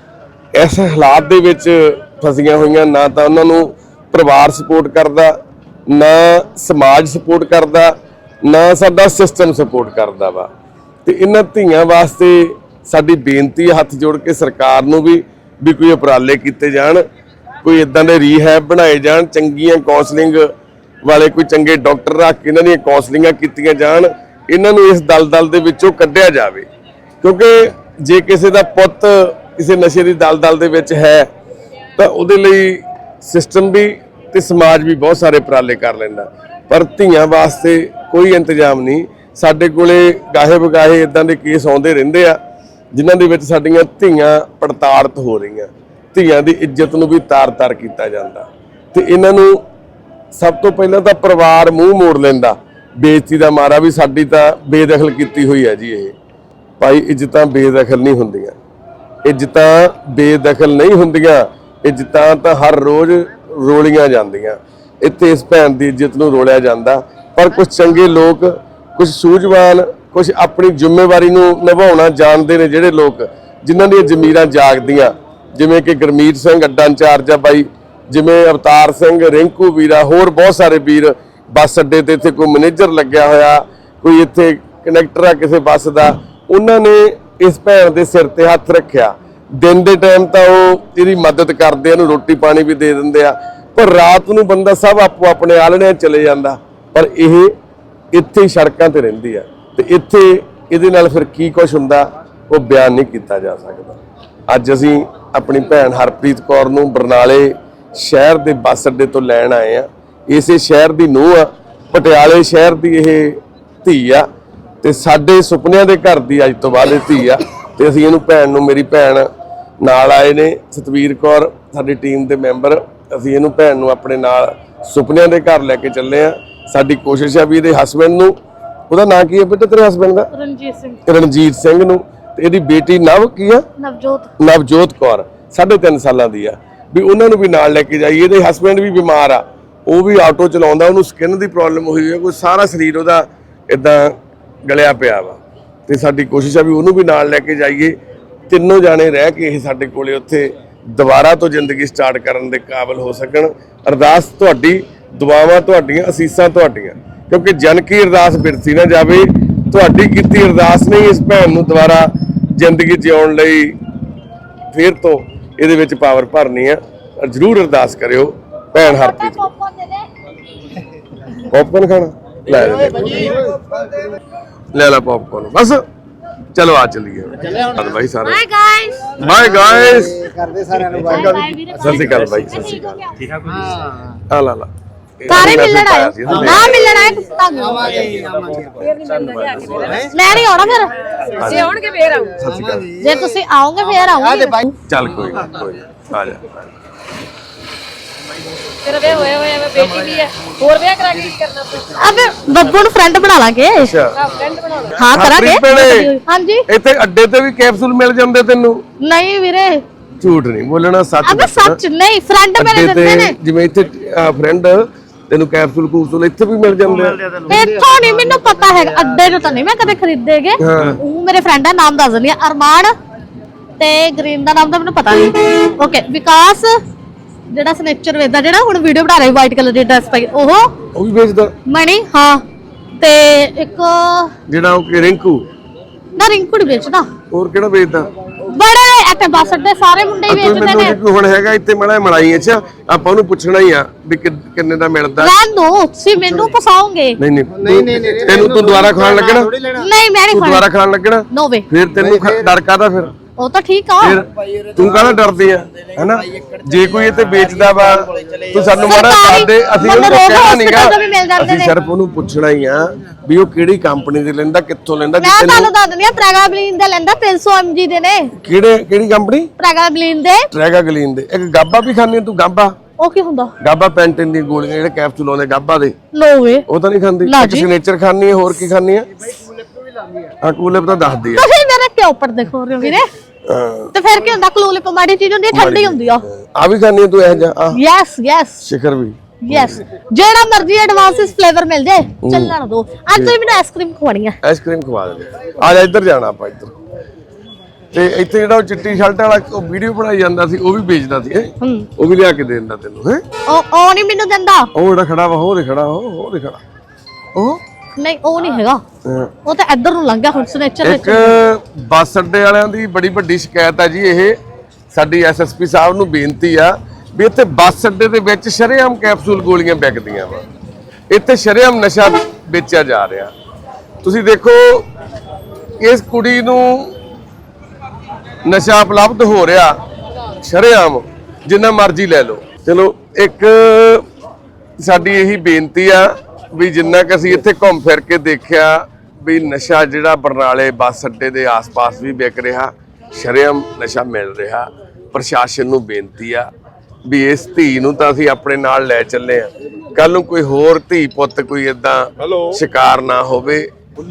S3: ਇਸ ਹਾਲਾਤ ਦੇ ਵਿੱਚ ਫਸੀਆਂ ਹੋਈਆਂ। ਨਾ ਤਾਂ ਉਹਨਾਂ ਨੂੰ ਪਰਿਵਾਰ ਸਪੋਰਟ ਕਰਦਾ, ਨਾ ਸਮਾਜ ਸਪੋਰਟ ਕਰਦਾ, ਨਾ ਸਾਡਾ ਸਿਸਟਮ ਸਪੋਰਟ ਕਰਦਾ ਵਾ। ਤੇ ਇਹਨਾਂ ਧੀਆਂ ਵਾਸਤੇ ਸਾਡੀ ਬੇਨਤੀ ਹੈ ਹੱਥ ਜੋੜ ਕੇ ਸਰਕਾਰ ਨੂੰ ਵੀ ਵੀ ਕੋਈ ਉਪਰਾਲੇ ਕੀਤੇ ਜਾਣ, ਕੋਈ ਇਦਾਂ ਦੇ ਰੀਹੈਬ ਬਣਾਏ ਜਾਣ, ਚੰਗੀਆਂ ਕਾਉਂਸਲਿੰਗ ਵਾਲੇ ਕੋਈ ਚੰਗੇ ਡਾਕਟਰ ਰੱਖ ਕੇ ਇਹਨਾਂ ਦੀਆਂ ਕਾਉਂਸਲਿੰਗਾਂ ਕੀਤੀਆਂ ਜਾਣ, ਇਹਨਾਂ ਨੂੰ ਇਸ ਦਲਦਲ ਦੇ ਵਿੱਚੋਂ ਕੱਢਿਆ ਜਾਵੇ। ਕਿਉਂਕਿ ਜੇ ਕਿਸੇ ਦਾ ਪੁੱਤ ਕਿਸੇ ਨਸ਼ੇ ਦੀ ਦਲਦਲ ਦੇ ਵਿੱਚ ਹੈ ਤਾਂ ਉਹਦੇ ਲਈ ਸਿਸਟਮ ਵੀ ਤੇ ਸਮਾਜ ਵੀ ਬਹੁਤ ਸਾਰੇ ਉਪਰਾਲੇ ਕਰ ਲੈਂਦਾ, ਪਰ ਧੀਆਂ ਵਾਸਤੇ ਕੋਈ ਇੰਤਜ਼ਾਮ ਨਹੀਂ। ਸਾਡੇ ਕੋਲੇ ਗਾਹੇ ਬਗਾਹੇ ਇਦਾਂ ਦੇ ਕੇਸ ਆਉਂਦੇ ਰਹਿੰਦੇ ਆ ਜਿਨ੍ਹਾਂ ਦੇ ਵਿੱਚ ਸਾਡੀਆਂ ਧੀਆਂ ਪੜਤਾੜਤ ਹੋ ਰਹੀਆਂ, ਧੀਆਂ ਦੀ ਇੱਜ਼ਤ ਨੂੰ ਵੀ ਤਾਰ-ਤਾਰ ਕੀਤਾ ਜਾਂਦਾ। ਤੇ ਇਹਨਾਂ ਨੂੰ ਸਭ ਤੋਂ ਪਹਿਲਾਂ ਤਾਂ ਪਰਿਵਾਰ ਮੂੰਹ ਮੋੜ ਲੈਂਦਾ ਬੇਇੱਜ਼ਤੀ ਦਾ ਮਾਰਾ ਵੀ ਸਾਡੀ ਤਾਂ ਬੇਦਖਲ ਕੀਤੀ ਹੋਈ ਹੈ ਜੀ। ਇਹ ਭਾਈ ਇੱਜ਼ਤਾਂ ਬੇਦਖਲ ਨਹੀਂ ਹੁੰਦੀਆਂ, ਇੱਜ਼ਤਾਂ ਬੇਦਖਲ ਨਹੀਂ ਹੁੰਦੀਆਂ, ਇੱਜ਼ਤਾਂ ਤਾਂ ਹਰ ਰੋਜ਼ ਰੋਲੀਆਂ ਜਾਂਦੀਆਂ। ਇੱਥੇ ਇਸ ਭੈਣ ਦੀ ਇੱਜ਼ਤ ਨੂੰ ਰੋਲਿਆ ਜਾਂਦਾ, ਪਰ ਕੁਝ ਚੰਗੇ ਲੋਕ, ਕੁਝ ਸੂਝਵਾਨ, ਕੁਝ ਆਪਣੀ ਜ਼ਿੰਮੇਵਾਰੀ ਨੂੰ ਨਿਭਾਉਣਾ ਜਾਣਦੇ ਨੇ ਜਿਹੜੇ ਲੋਕ, ਜਿਨ੍ਹਾਂ ਦੀਆਂ ਜ਼ਮੀਰਾਂ ਜਾਗਦੀਆਂ, ਜਿਵੇਂ ਕਿ ਗੁਰਮੀਤ ਸਿੰਘ ਅੱਡਾ ਇੰਚਾਰਜ ਆ ਬਾਈ, ਜਿਵੇਂ ਅਵਤਾਰ ਸਿੰਘ, ਰਿੰਕੂ ਵੀਰਾ, ਹੋਰ ਬਹੁਤ ਸਾਰੇ ਵੀਰ ਬੱਸ ਅੱਡੇ ਤੇ ਇੱਥੇ ਕੋਈ ਮੈਨੇਜਰ ਲੱਗਿਆ ਹੋਇਆ, ਕੋਈ ਇੱਥੇ ਕਨੈਕਟਰ ਆ ਕਿਸੇ ਬੱਸ ਦਾ, ਉਹਨਾਂ ਨੇ ਇਸ ਭੈਣ ਦੇ ਸਿਰ ਤੇ ਹੱਥ ਰੱਖਿਆ। ਦਿਨ ਦੇ ਟਾਈਮ ਤਾਂ ਉਹ ਇਹਦੀ ਮਦਦ ਕਰਦੇ ਆ, ਇਹਨੂੰ ਰੋਟੀ ਪਾਣੀ ਵੀ ਦੇ ਦਿੰਦੇ ਆ, ਪਰ ਰਾਤ ਨੂੰ ਬੰਦਾ ਸਭ ਆਪੋ ਆਪਣੇ ਆਲਣਿਆਂ ਚਲੇ ਜਾਂਦਾ, ਪਰ ਇਹ ਇੱਥੇ ਹੀ ਸੜਕਾਂ ਤੇ ਰਹਿੰਦੀ ਆ। ਤੇ ਇੱਥੇ ਇਹਦੇ ਨਾਲ ਫਿਰ ਕੀ ਕੁਝ ਹੁੰਦਾ ਉਹ ਬਿਆਨ ਨਹੀਂ ਕੀਤਾ ਜਾ ਸਕਦਾ। ਅੱਜ ਅਸੀਂ ਆਪਣੀ ਭੈਣ ਹਰਪ੍ਰੀਤ ਕੌਰ ਨੂੰ ਬਰਨਾਲੇ ਸ਼ਹਿਰ ਦੇ ਬੱਸ ਅੱਡੇ ਤੋਂ ਲੈਣ ਆਏ ਆ। ਇਸੇ ਸ਼ਹਿਰ ਦੀ ਨੂੰਹ ਆ, ਪਟਿਆਲੇ ਸ਼ਹਿਰ ਦੀ ਇਹ ਧੀ ਆ, ਤੇ ਸਾਡੇ ਸੁਪਨਿਆਂ ਦੇ ਘਰ ਦੀ ਅੱਜ ਤੋਂ ਬਾਅਦ ਇਹ ਧੀ ਆ। ਤੇ ਅਸੀਂ ਇਹਨੂੰ ਭੈਣ ਨੂੰ, ਮੇਰੀ ਭੈਣ ਨਾਲ ਆਏ ਨੇ ਸਤਵੀਰ ਕੌਰ, ਸਾਡੀ ਟੀਮ ਦੇ ਮੈਂਬਰ, ਅਸੀਂ ਇਹਨੂੰ ਭੈਣ ਨੂੰ ਆਪਣੇ ਨਾਲ ਸੁਪਨਿਆਂ ਦੇ ਘਰ ਲੈ ਕੇ ਚੱਲੇ ਆ। ਸਾਡੀ ਕੋਸ਼ਿਸ਼ ਆ ਵੀ ਇਹਦੇ ਹਸਬੈਂਡ ਨੂੰ, ਉਹਦਾ ਨਾਂ ਕੀ ਹੈ ਬੇਟਾ ਤੇਰੇ ਹਸਬੈਂਡ ਦਾ?
S2: ਰਣਜੀਤ ਸਿੰਘ।
S3: ਰਣਜੀਤ ਸਿੰਘ ਨੂੰ, ਤੇ ਇਹਦੀ ਬੇਟੀ ਨਵ ਕੀ ਆ?
S2: ਨਵਜੋਤ।
S3: ਨਵਜੋਤ ਕੌਰ ਸਾਢੇ ਤਿੰਨ ਸਾਲਾਂ ਦੀ ਆ, ਵੀ ਉਹਨਾਂ ਨੂੰ ਵੀ ਨਾਲ ਲੈ ਕੇ ਜਾਈਏ। ਇਹਦੇ ਹਸਬੈਂਡ ਵੀ ਬਿਮਾਰ ਆ, ਉਹ ਵੀ ਆਟੋ ਚਲਾਉਂਦਾ, ਉਹਨੂੰ ਸਕਿਨ ਦੀ ਪ੍ਰੋਬਲਮ ਹੋਈ ਹੈ, ਕੋਈ ਸਾਰਾ ਸਰੀਰ ਉਹਦਾ ਇਦਾਂ ਗਲਿਆ ਪਿਆ ਵਾ। ਤੇ ਸਾਡੀ ਕੋਸ਼ਿਸ਼ ਆ ਵੀ ਉਹਨੂੰ ਵੀ ਨਾਲ ਲੈ ਕੇ ਜਾਈਏ। ਤਿੰਨੋਂ ਜਾਣੇ ਰਹਿ ਕੇ ਇਹ ਸਾਡੇ ਕੋਲੇ ਉੱਥੇ ਦੁਬਾਰਾ ਤੋਂ ਜ਼ਿੰਦਗੀ ਸਟਾਰਟ ਕਰਨ ਦੇ ਕਾਬਿਲ ਹੋ ਸਕਣ। ਅਰਦਾਸ ਤੁਹਾਡੀ, ਦੁਆਵਾਂ ਤੁਹਾਡੀਆਂ, ਅਸੀਸਾਂ ਤੁਹਾਡੀਆਂ, ਕਿਉਂਕਿ ਜਨ ਕੀ ਅਰਦਾਸ ਬਿਰਤੀ ਨਾ ਜਾਵੇ। ਤੁਹਾਡੀ ਕੀਤੀ ਅਰਦਾਸ ਨੇ ਇਸ ਭੈਣ ਨੂੰ ਦੁਬਾਰਾ ਜ਼ਿੰਦਗੀ ਜਿਉਣ ਲਈ ਫੇਰ ਤੋਂ ਇਹਦੇ ਵਿੱਚ ਪਾਵਰ ਭਰਨੀ ਆ। ਜ਼ਰੂਰ ਅਰਦਾਸ ਕਰਿਓ ਭੈਣ ਹਰਪ੍ਰੀਤ। ਪੌਪਕਾਰਨ ਖਾਣਾ ਲੈ ਲੈ ਲੈ ਪੌਪਕਾਰਨ ਬਸ। ਚਲੋ ਆ ਚੱਲੀਏ ਬਾਈ ਸਾਰੇ।
S2: Bye guys.
S3: Bye guys.
S7: ਕਰਦੇ ਸਾਰਿਆਂ ਨੂੰ ਬਾਈ।
S3: ਸਤਿ ਸ਼੍ਰੀ ਅਕਾਲ ਬਾਈ, ਸਤਿ ਸ਼੍ਰੀ ਅਕਾਲ। ਠੀਕ ਆ ਆ ਲਾ ਲਾ
S2: ਸਾਰੇ ਮਿਲਣ ਆਏ ਨਾ, ਮਿਲਣ ਆਏ ਤੁਹਾਨੂੰ ਮੈਂ ਨਹੀਂ ਆਉਣਾ ਫਿਰ। ਜੇ ਆਉਣਗੇ ਫੇਰ ਆਉਂ।
S3: ਸਤਿ ਸ਼੍ਰੀ ਅਕਾਲ।
S2: ਜੇ ਤੁਸੀਂ ਆਓਗੇ ਫੇਰ ਆਉਂਗੇ।
S3: ਚੱਲ ਕੋਈ ਨਾ, ਕੋਈ ਨਾ, ਆ ਜਾ।
S8: ਤੇਰਾ ਵਿਆਹ ਹੋਇਆ ਹੋਇਆ ਵਾ, ਬੇਟੀ ਵੀ ਹੈ, ਹੋਰ ਵਿਆਹ ਕਰਾ ਕੇ ਕੀ ਕਰਨਾ ਆਪਾਂ?
S2: ਅਬੇ ਬੱਬੂ ਨੂੰ ਫਰੈਂਡ ਬਣਾ ਲਾਂਗੇ।
S3: ਅੱਛਾ
S8: ਫਰੈਂਡ ਬਣਾ ਲਓ।
S2: ਹਾਂ ਕਰਾਂਗੇ।
S3: ਹਰਪ੍ਰੀਤ
S2: ਹਾਂਜੀ।
S3: ਇੱਥੇ ਅੱਡੇ ਤੇ ਵੀ ਕੈਪਸੂਲ ਮਿਲ ਜਾਂਦੇ ਤੈਨੂੰ?
S2: ਨਹੀਂ ਵੀਰੇ,
S3: ਝੂਠ ਨਹੀਂ ਬੋਲਣਾ, ਸੱਚ
S2: ਅਬੇ
S3: ਦੱਸਣਾ।
S2: ਸੱਚ ਨਹੀਂ, ਫਰੈਂਡ ਮੇਰੇ
S3: ਅੱਡੇ
S2: ਦਿੰਦੇ ਨੇ।
S3: ਤੇ ਜਿਵੇਂ ਇੱਥੇ ਫਰੈਂਡ ਤੈਨੂੰ ਕੈਪਸੂਲ ਕੂਪਸੂਲ ਇੱਥੇ ਵੀ ਮਿਲ ਜਾਂਦੇ ਆ?
S2: ਇੱਥੋਂ ਨਹੀਂ ਮੈਨੂੰ ਪਤਾ ਹੈਗਾ, ਅੱਡੇ ਤੋਂ ਤਾਂ ਨਹੀਂ ਮੈਂ ਕਦੇ ਖਰੀਦੇਗੇ। ਉਹ ਮੇਰੇ ਫਰੈਂਡ ਦਾ ਨਾਮ ਦੱਸ ਦਿੰਦੀ ਆ, ਅਰਮਾਨ ਤੇ ਗ੍ਰੀਨ ਦਾ ਨਾਮ ਤਾਂ ਮੈਨੂੰ ਪਤਾ ਨਹੀਂ। ਓਕੇ, ਵਿਕਾਸ ਜਿਹੜਾ ਸਨੇਚਰ ਵੇਚਦਾ, ਜਿਹੜਾ ਹੁਣ ਵੀਡੀਓ ਬਣਾ ਰਿਹਾ ਵਾਈਟ ਕਲਰ ਦੀ ਡਰੈਸ ਪਾਈ, ਉਹ
S3: ਉਹ ਵੀ ਵੇਚਦਾ?
S2: ਮਣੀ, ਹਾਂ। ਤੇ ਇੱਕ
S3: ਜਿਹੜਾ ਉਹ ਕਿ ਰਿੰਕੂ
S2: ਨਾ, ਰਿੰਕੂ ਨਹੀਂ ਵੇਚਦਾ।
S3: ਹੋਰ ਕਿਹੜਾ ਵੇਚਦਾ?
S2: ਬੜੇ ਇੱਥੇ ਬੱਸ ਅੱਡੇ ਸਾਰੇ ਮੁੰਡੇ ਹੀ ਵੇਚਦੇ ਨੇ।
S3: ਮੈਨੂੰ ਕੋਈ ਹੁਣ ਹੈਗਾ ਇੱਥੇ ਮੜਾ ਮਲਾਈ? ਅੱਛਾ, ਆਪਾਂ ਉਹਨੂੰ ਪੁੱਛਣਾ ਹੀ ਆ ਵੀ ਕਿ- ਕਿੰਨੇ ਦਾ ਮਿਲਦਾ।
S2: ਰਹਿਣ ਦੋ, ਤੁਸੀਂ ਮੈਨੂੰ ਫਸਾਓਗੇ।
S3: ਨਹੀਂ ਨਹੀਂ ਨਹੀਂ, ਤੈਨੂੰ ਤੂੰ ਦੁਬਾਰਾ ਖਾਣ ਲੱਗਣਾ?
S2: ਨਹੀਂ, ਮੈਂ ਨਹੀਂ
S3: ਤੂੰ ਦੁਬਾਰਾ ਖਾਣ ਲੱਗਣਾ?
S2: ਨੋ ਵੇ।
S3: ਫਿਰ ਤੈਨੂੰ ਖ- ਡਰ ਕਾਹਦਾ ਫਿਰ?
S2: ਉਹ ਤਾਂ ਠੀਕ ਆ।
S3: ਫਿਰ ਤੂੰ ਕਾਹਦਾ ਡਰਦੀ ਆ, ਹੈਨਾ? ਜੇ ਕੋਈ ਇੱਥੇ ਵੇਚਦਾ ਵਾ ਤੂੰ ਸਾਨੂੰ ਮਾੜਾ ਦੱਸ ਦੇ, ਅਸੀਂ ਉਹਨੂੰ ਕਹਿਣਾ ਨਹੀਂਗਾ। ਅਸੀਂ ਸਿਰਫ ਉਹਨੂੰ ਪੁੱਛਣਾ ਹੀ ਆ ਵੀ ਉਹ ਕਿਹੜੀ ਕੰਪਨੀ ਦੇ ਲੈਂਦਾ, ਕਿੱਥੋਂ ਲੈਂਦਾ।
S2: ਮੈਂ ਤੁਹਾਨੂੰ ਦੱਸ ਦਿੰਦੀ ਆ, ਪ੍ਰੈਗਾਬਲਿਨ ਦੇ ਲੈਂਦਾ ਤਿੰਨ ਸੌ ਐਮਜੀ ਦੇ ਨੇ।
S3: ਕਿਹੜੇ ਕਿਹੜੀ ਕੰਪਨੀ?
S2: ਪ੍ਰੈਗਾਬਲਿਨ ਦੇ।
S3: ਟ੍ਰੈਗਾਗਲੀਨ ਦੇ। ਇੱਕ ਗਾਬਾ ਵੀ ਖਾਂਦੀ ਤੂੰ? ਗਾਬਾ
S2: ਉਹ ਕੀ ਹੁੰਦਾ?
S3: ਗਾਬਾ ਪੈਂਟਿਨ ਦੀਆਂ ਗੋਲੀਆਂ ਜਿਹੜੇ ਕੈਪਸੂਲ ਆਉਂਦੇ ਗਾਬਾ ਦੇ,
S2: ਨੋ ਵੇ।
S3: ਉਹ ਤਾਂ ਨਹੀਂ ਖਾਂਦੀ? ਇੱਕ ਸਿਗਨੇਚਰ ਖਾਂਦੀ ਹੈ, ਹੋਰ ਕੀ ਖਾਂਦੀ ਹੈ? ਹਾਂ, ਕੂਲਿਪ ਤਾਂ ਦੱਸਦੀ ਆ।
S2: ਤੁਸੀਂ ਮੇਰੇ ਕਿਉਂ ਉੱਪਰ ਦੇਖੋ ਰਹੇ ਹੋ ਵੀਰੇ? ਤੇ ਫਿਰ ਕੀ ਹੁੰਦਾ? ਕਲੂਲਿਪ ਮਾੜੀ ਚੀਜ਼ ਹੁੰਦੀ ਹੈ, ਠੰਡੀ ਹੁੰਦੀ ਆ।
S3: ਆ ਵੀ ਖਾਂਦੀ ਤੂੰ ਇਹ ਜਾ?
S2: ਯੈਸ ਯੈਸ
S3: ਸ਼ਿਖਰ ਵੀ?
S2: ਯੈਸ, ਜਿਹੜਾ ਮਰਜ਼ੀ ਐਡਵਾਂਸਿਸ ਫਲੇਵਰ ਮਿਲ ਜਾਏ, ਚੱਲਣ ਦੋ। ਅੱਜ ਤੁਸੀਂ ਮੈਨੂੰ ਆਈਸਕ੍ਰੀਮ ਖਵਾਣੀ ਆ।
S3: ਆਈਸਕ੍ਰੀਮ ਖਵਾ ਦੇ। ਆ ਜਾ, ਇੱਧਰ ਜਾਣਾ ਆਪਾਂ, ਇੱਧਰ। ਤੇ ਇੱਥੇ ਜਿਹੜਾ ਉਹ ਚਿੱਟੀ ਸ਼ਰਟ ਵਾਲਾ ਉਹ ਵੀਡੀਓ ਬਣਾਈ ਜਾਂਦਾ ਸੀ, ਉਹ ਵੀ ਵੇਚਦਾ ਸੀ। ਉਹ ਵੀ ਲਿਆ ਕੇ ਦੇ ਦਿੰਦਾ ਤੈਨੂੰ? ਹੈ
S2: ਉਹ ਉਹ ਨਹੀਂ ਮੈਨੂੰ ਦਿੰਦਾ।
S3: ਉਹ ਜਿਹੜਾ ਖੜਾ ਵਾ, ਉਹ ਦੇ ਖੜਾ, ਉਹ ਉਹ ਦੇ ਖੜਾ, ਉਹ
S2: ਨਹੀਂ, ਉਹ ਨਹੀਂ ਹੈਗਾ। ਉਹ ਤਾਂ ਇੱਧਰ ਨੂੰ ਲੰਘ ਗਿਆ ਹੁਣ ਸਨੇਚਰ ਵਿੱਚ।
S3: ਇੱਕ ਬੱਸ ਅੱਡੇ ਵਾਲਿਆਂ ਦੀ ਬੜੀ ਵੱਡੀ ਸ਼ਿਕਾਇਤ ਹੈ ਜੀ। ਇਹ ਸਾਡੀ ਐਸਐਸਪੀ ਸਾਹਿਬ ਨੂੰ ਬੇਨਤੀ ਆ ਵੀ ਇੱਥੇ ਬੱਸ ਅੱਡੇ ਦੇ ਵਿੱਚ ਸ਼ਰੇਆਮ ਕੈਪਸੂਲ ਗੋਲੀਆਂ ਵਿਕਦੀਆਂ ਵਾ। ਇੱਥੇ ਸ਼ਰੇਆਮ ਨਸ਼ਾ ਵੇਚਿਆ ਜਾ ਰਿਹਾ। ਤੁਸੀਂ ਦੇਖੋ, ਇਸ ਕੁੜੀ ਨੂੰ ਨਸ਼ਾ ਉਪਲਬਧ ਹੋ ਰਿਹਾ ਸ਼ਰੇਆਮ, ਜਿੰਨਾ ਮਰਜ਼ੀ ਲੈ ਲਓ। ਚਲੋ, ਇੱਕ ਸਾਡੀ ਇਹੀ ਬੇਨਤੀ ਆ ਵੀ ਜਿੰਨਾ ਕਿ ਅਸੀਂ ਇੱਥੇ ਘੁੰਮ ਫਿਰ ਕੇ ਦੇਖਿਆ ਵੀ ਨਸ਼ਾ ਜਿਹੜਾ ਬਰਨਾਲੇ ਬੱਸ ਅੱਡੇ ਦੇ ਆਸ-ਪਾਸ ਵੀ ਵਿਕ ਰਿਹਾ, ਸ਼ਰੇਆਮ ਨਸ਼ਾ ਮਿਲ ਰਿਹਾ। ਪ੍ਰਸ਼ਾਸਨ ਨੂੰ ਬੇਨਤੀ ਆ ਵੀ ਇਸ ਧੀ ਨੂੰ ਤਾਂ ਅਸੀਂ ਆਪਣੇ ਨਾਲ ਲੈ ਚੱਲੇ ਆ, ਕੱਲ ਨੂੰ ਕੋਈ ਹੋਰ ਧੀ ਪੁੱਤ ਕੋਈ ਏਦਾਂ ਸ਼ਿਕਾਰ ਨਾ ਹੋਵੇ।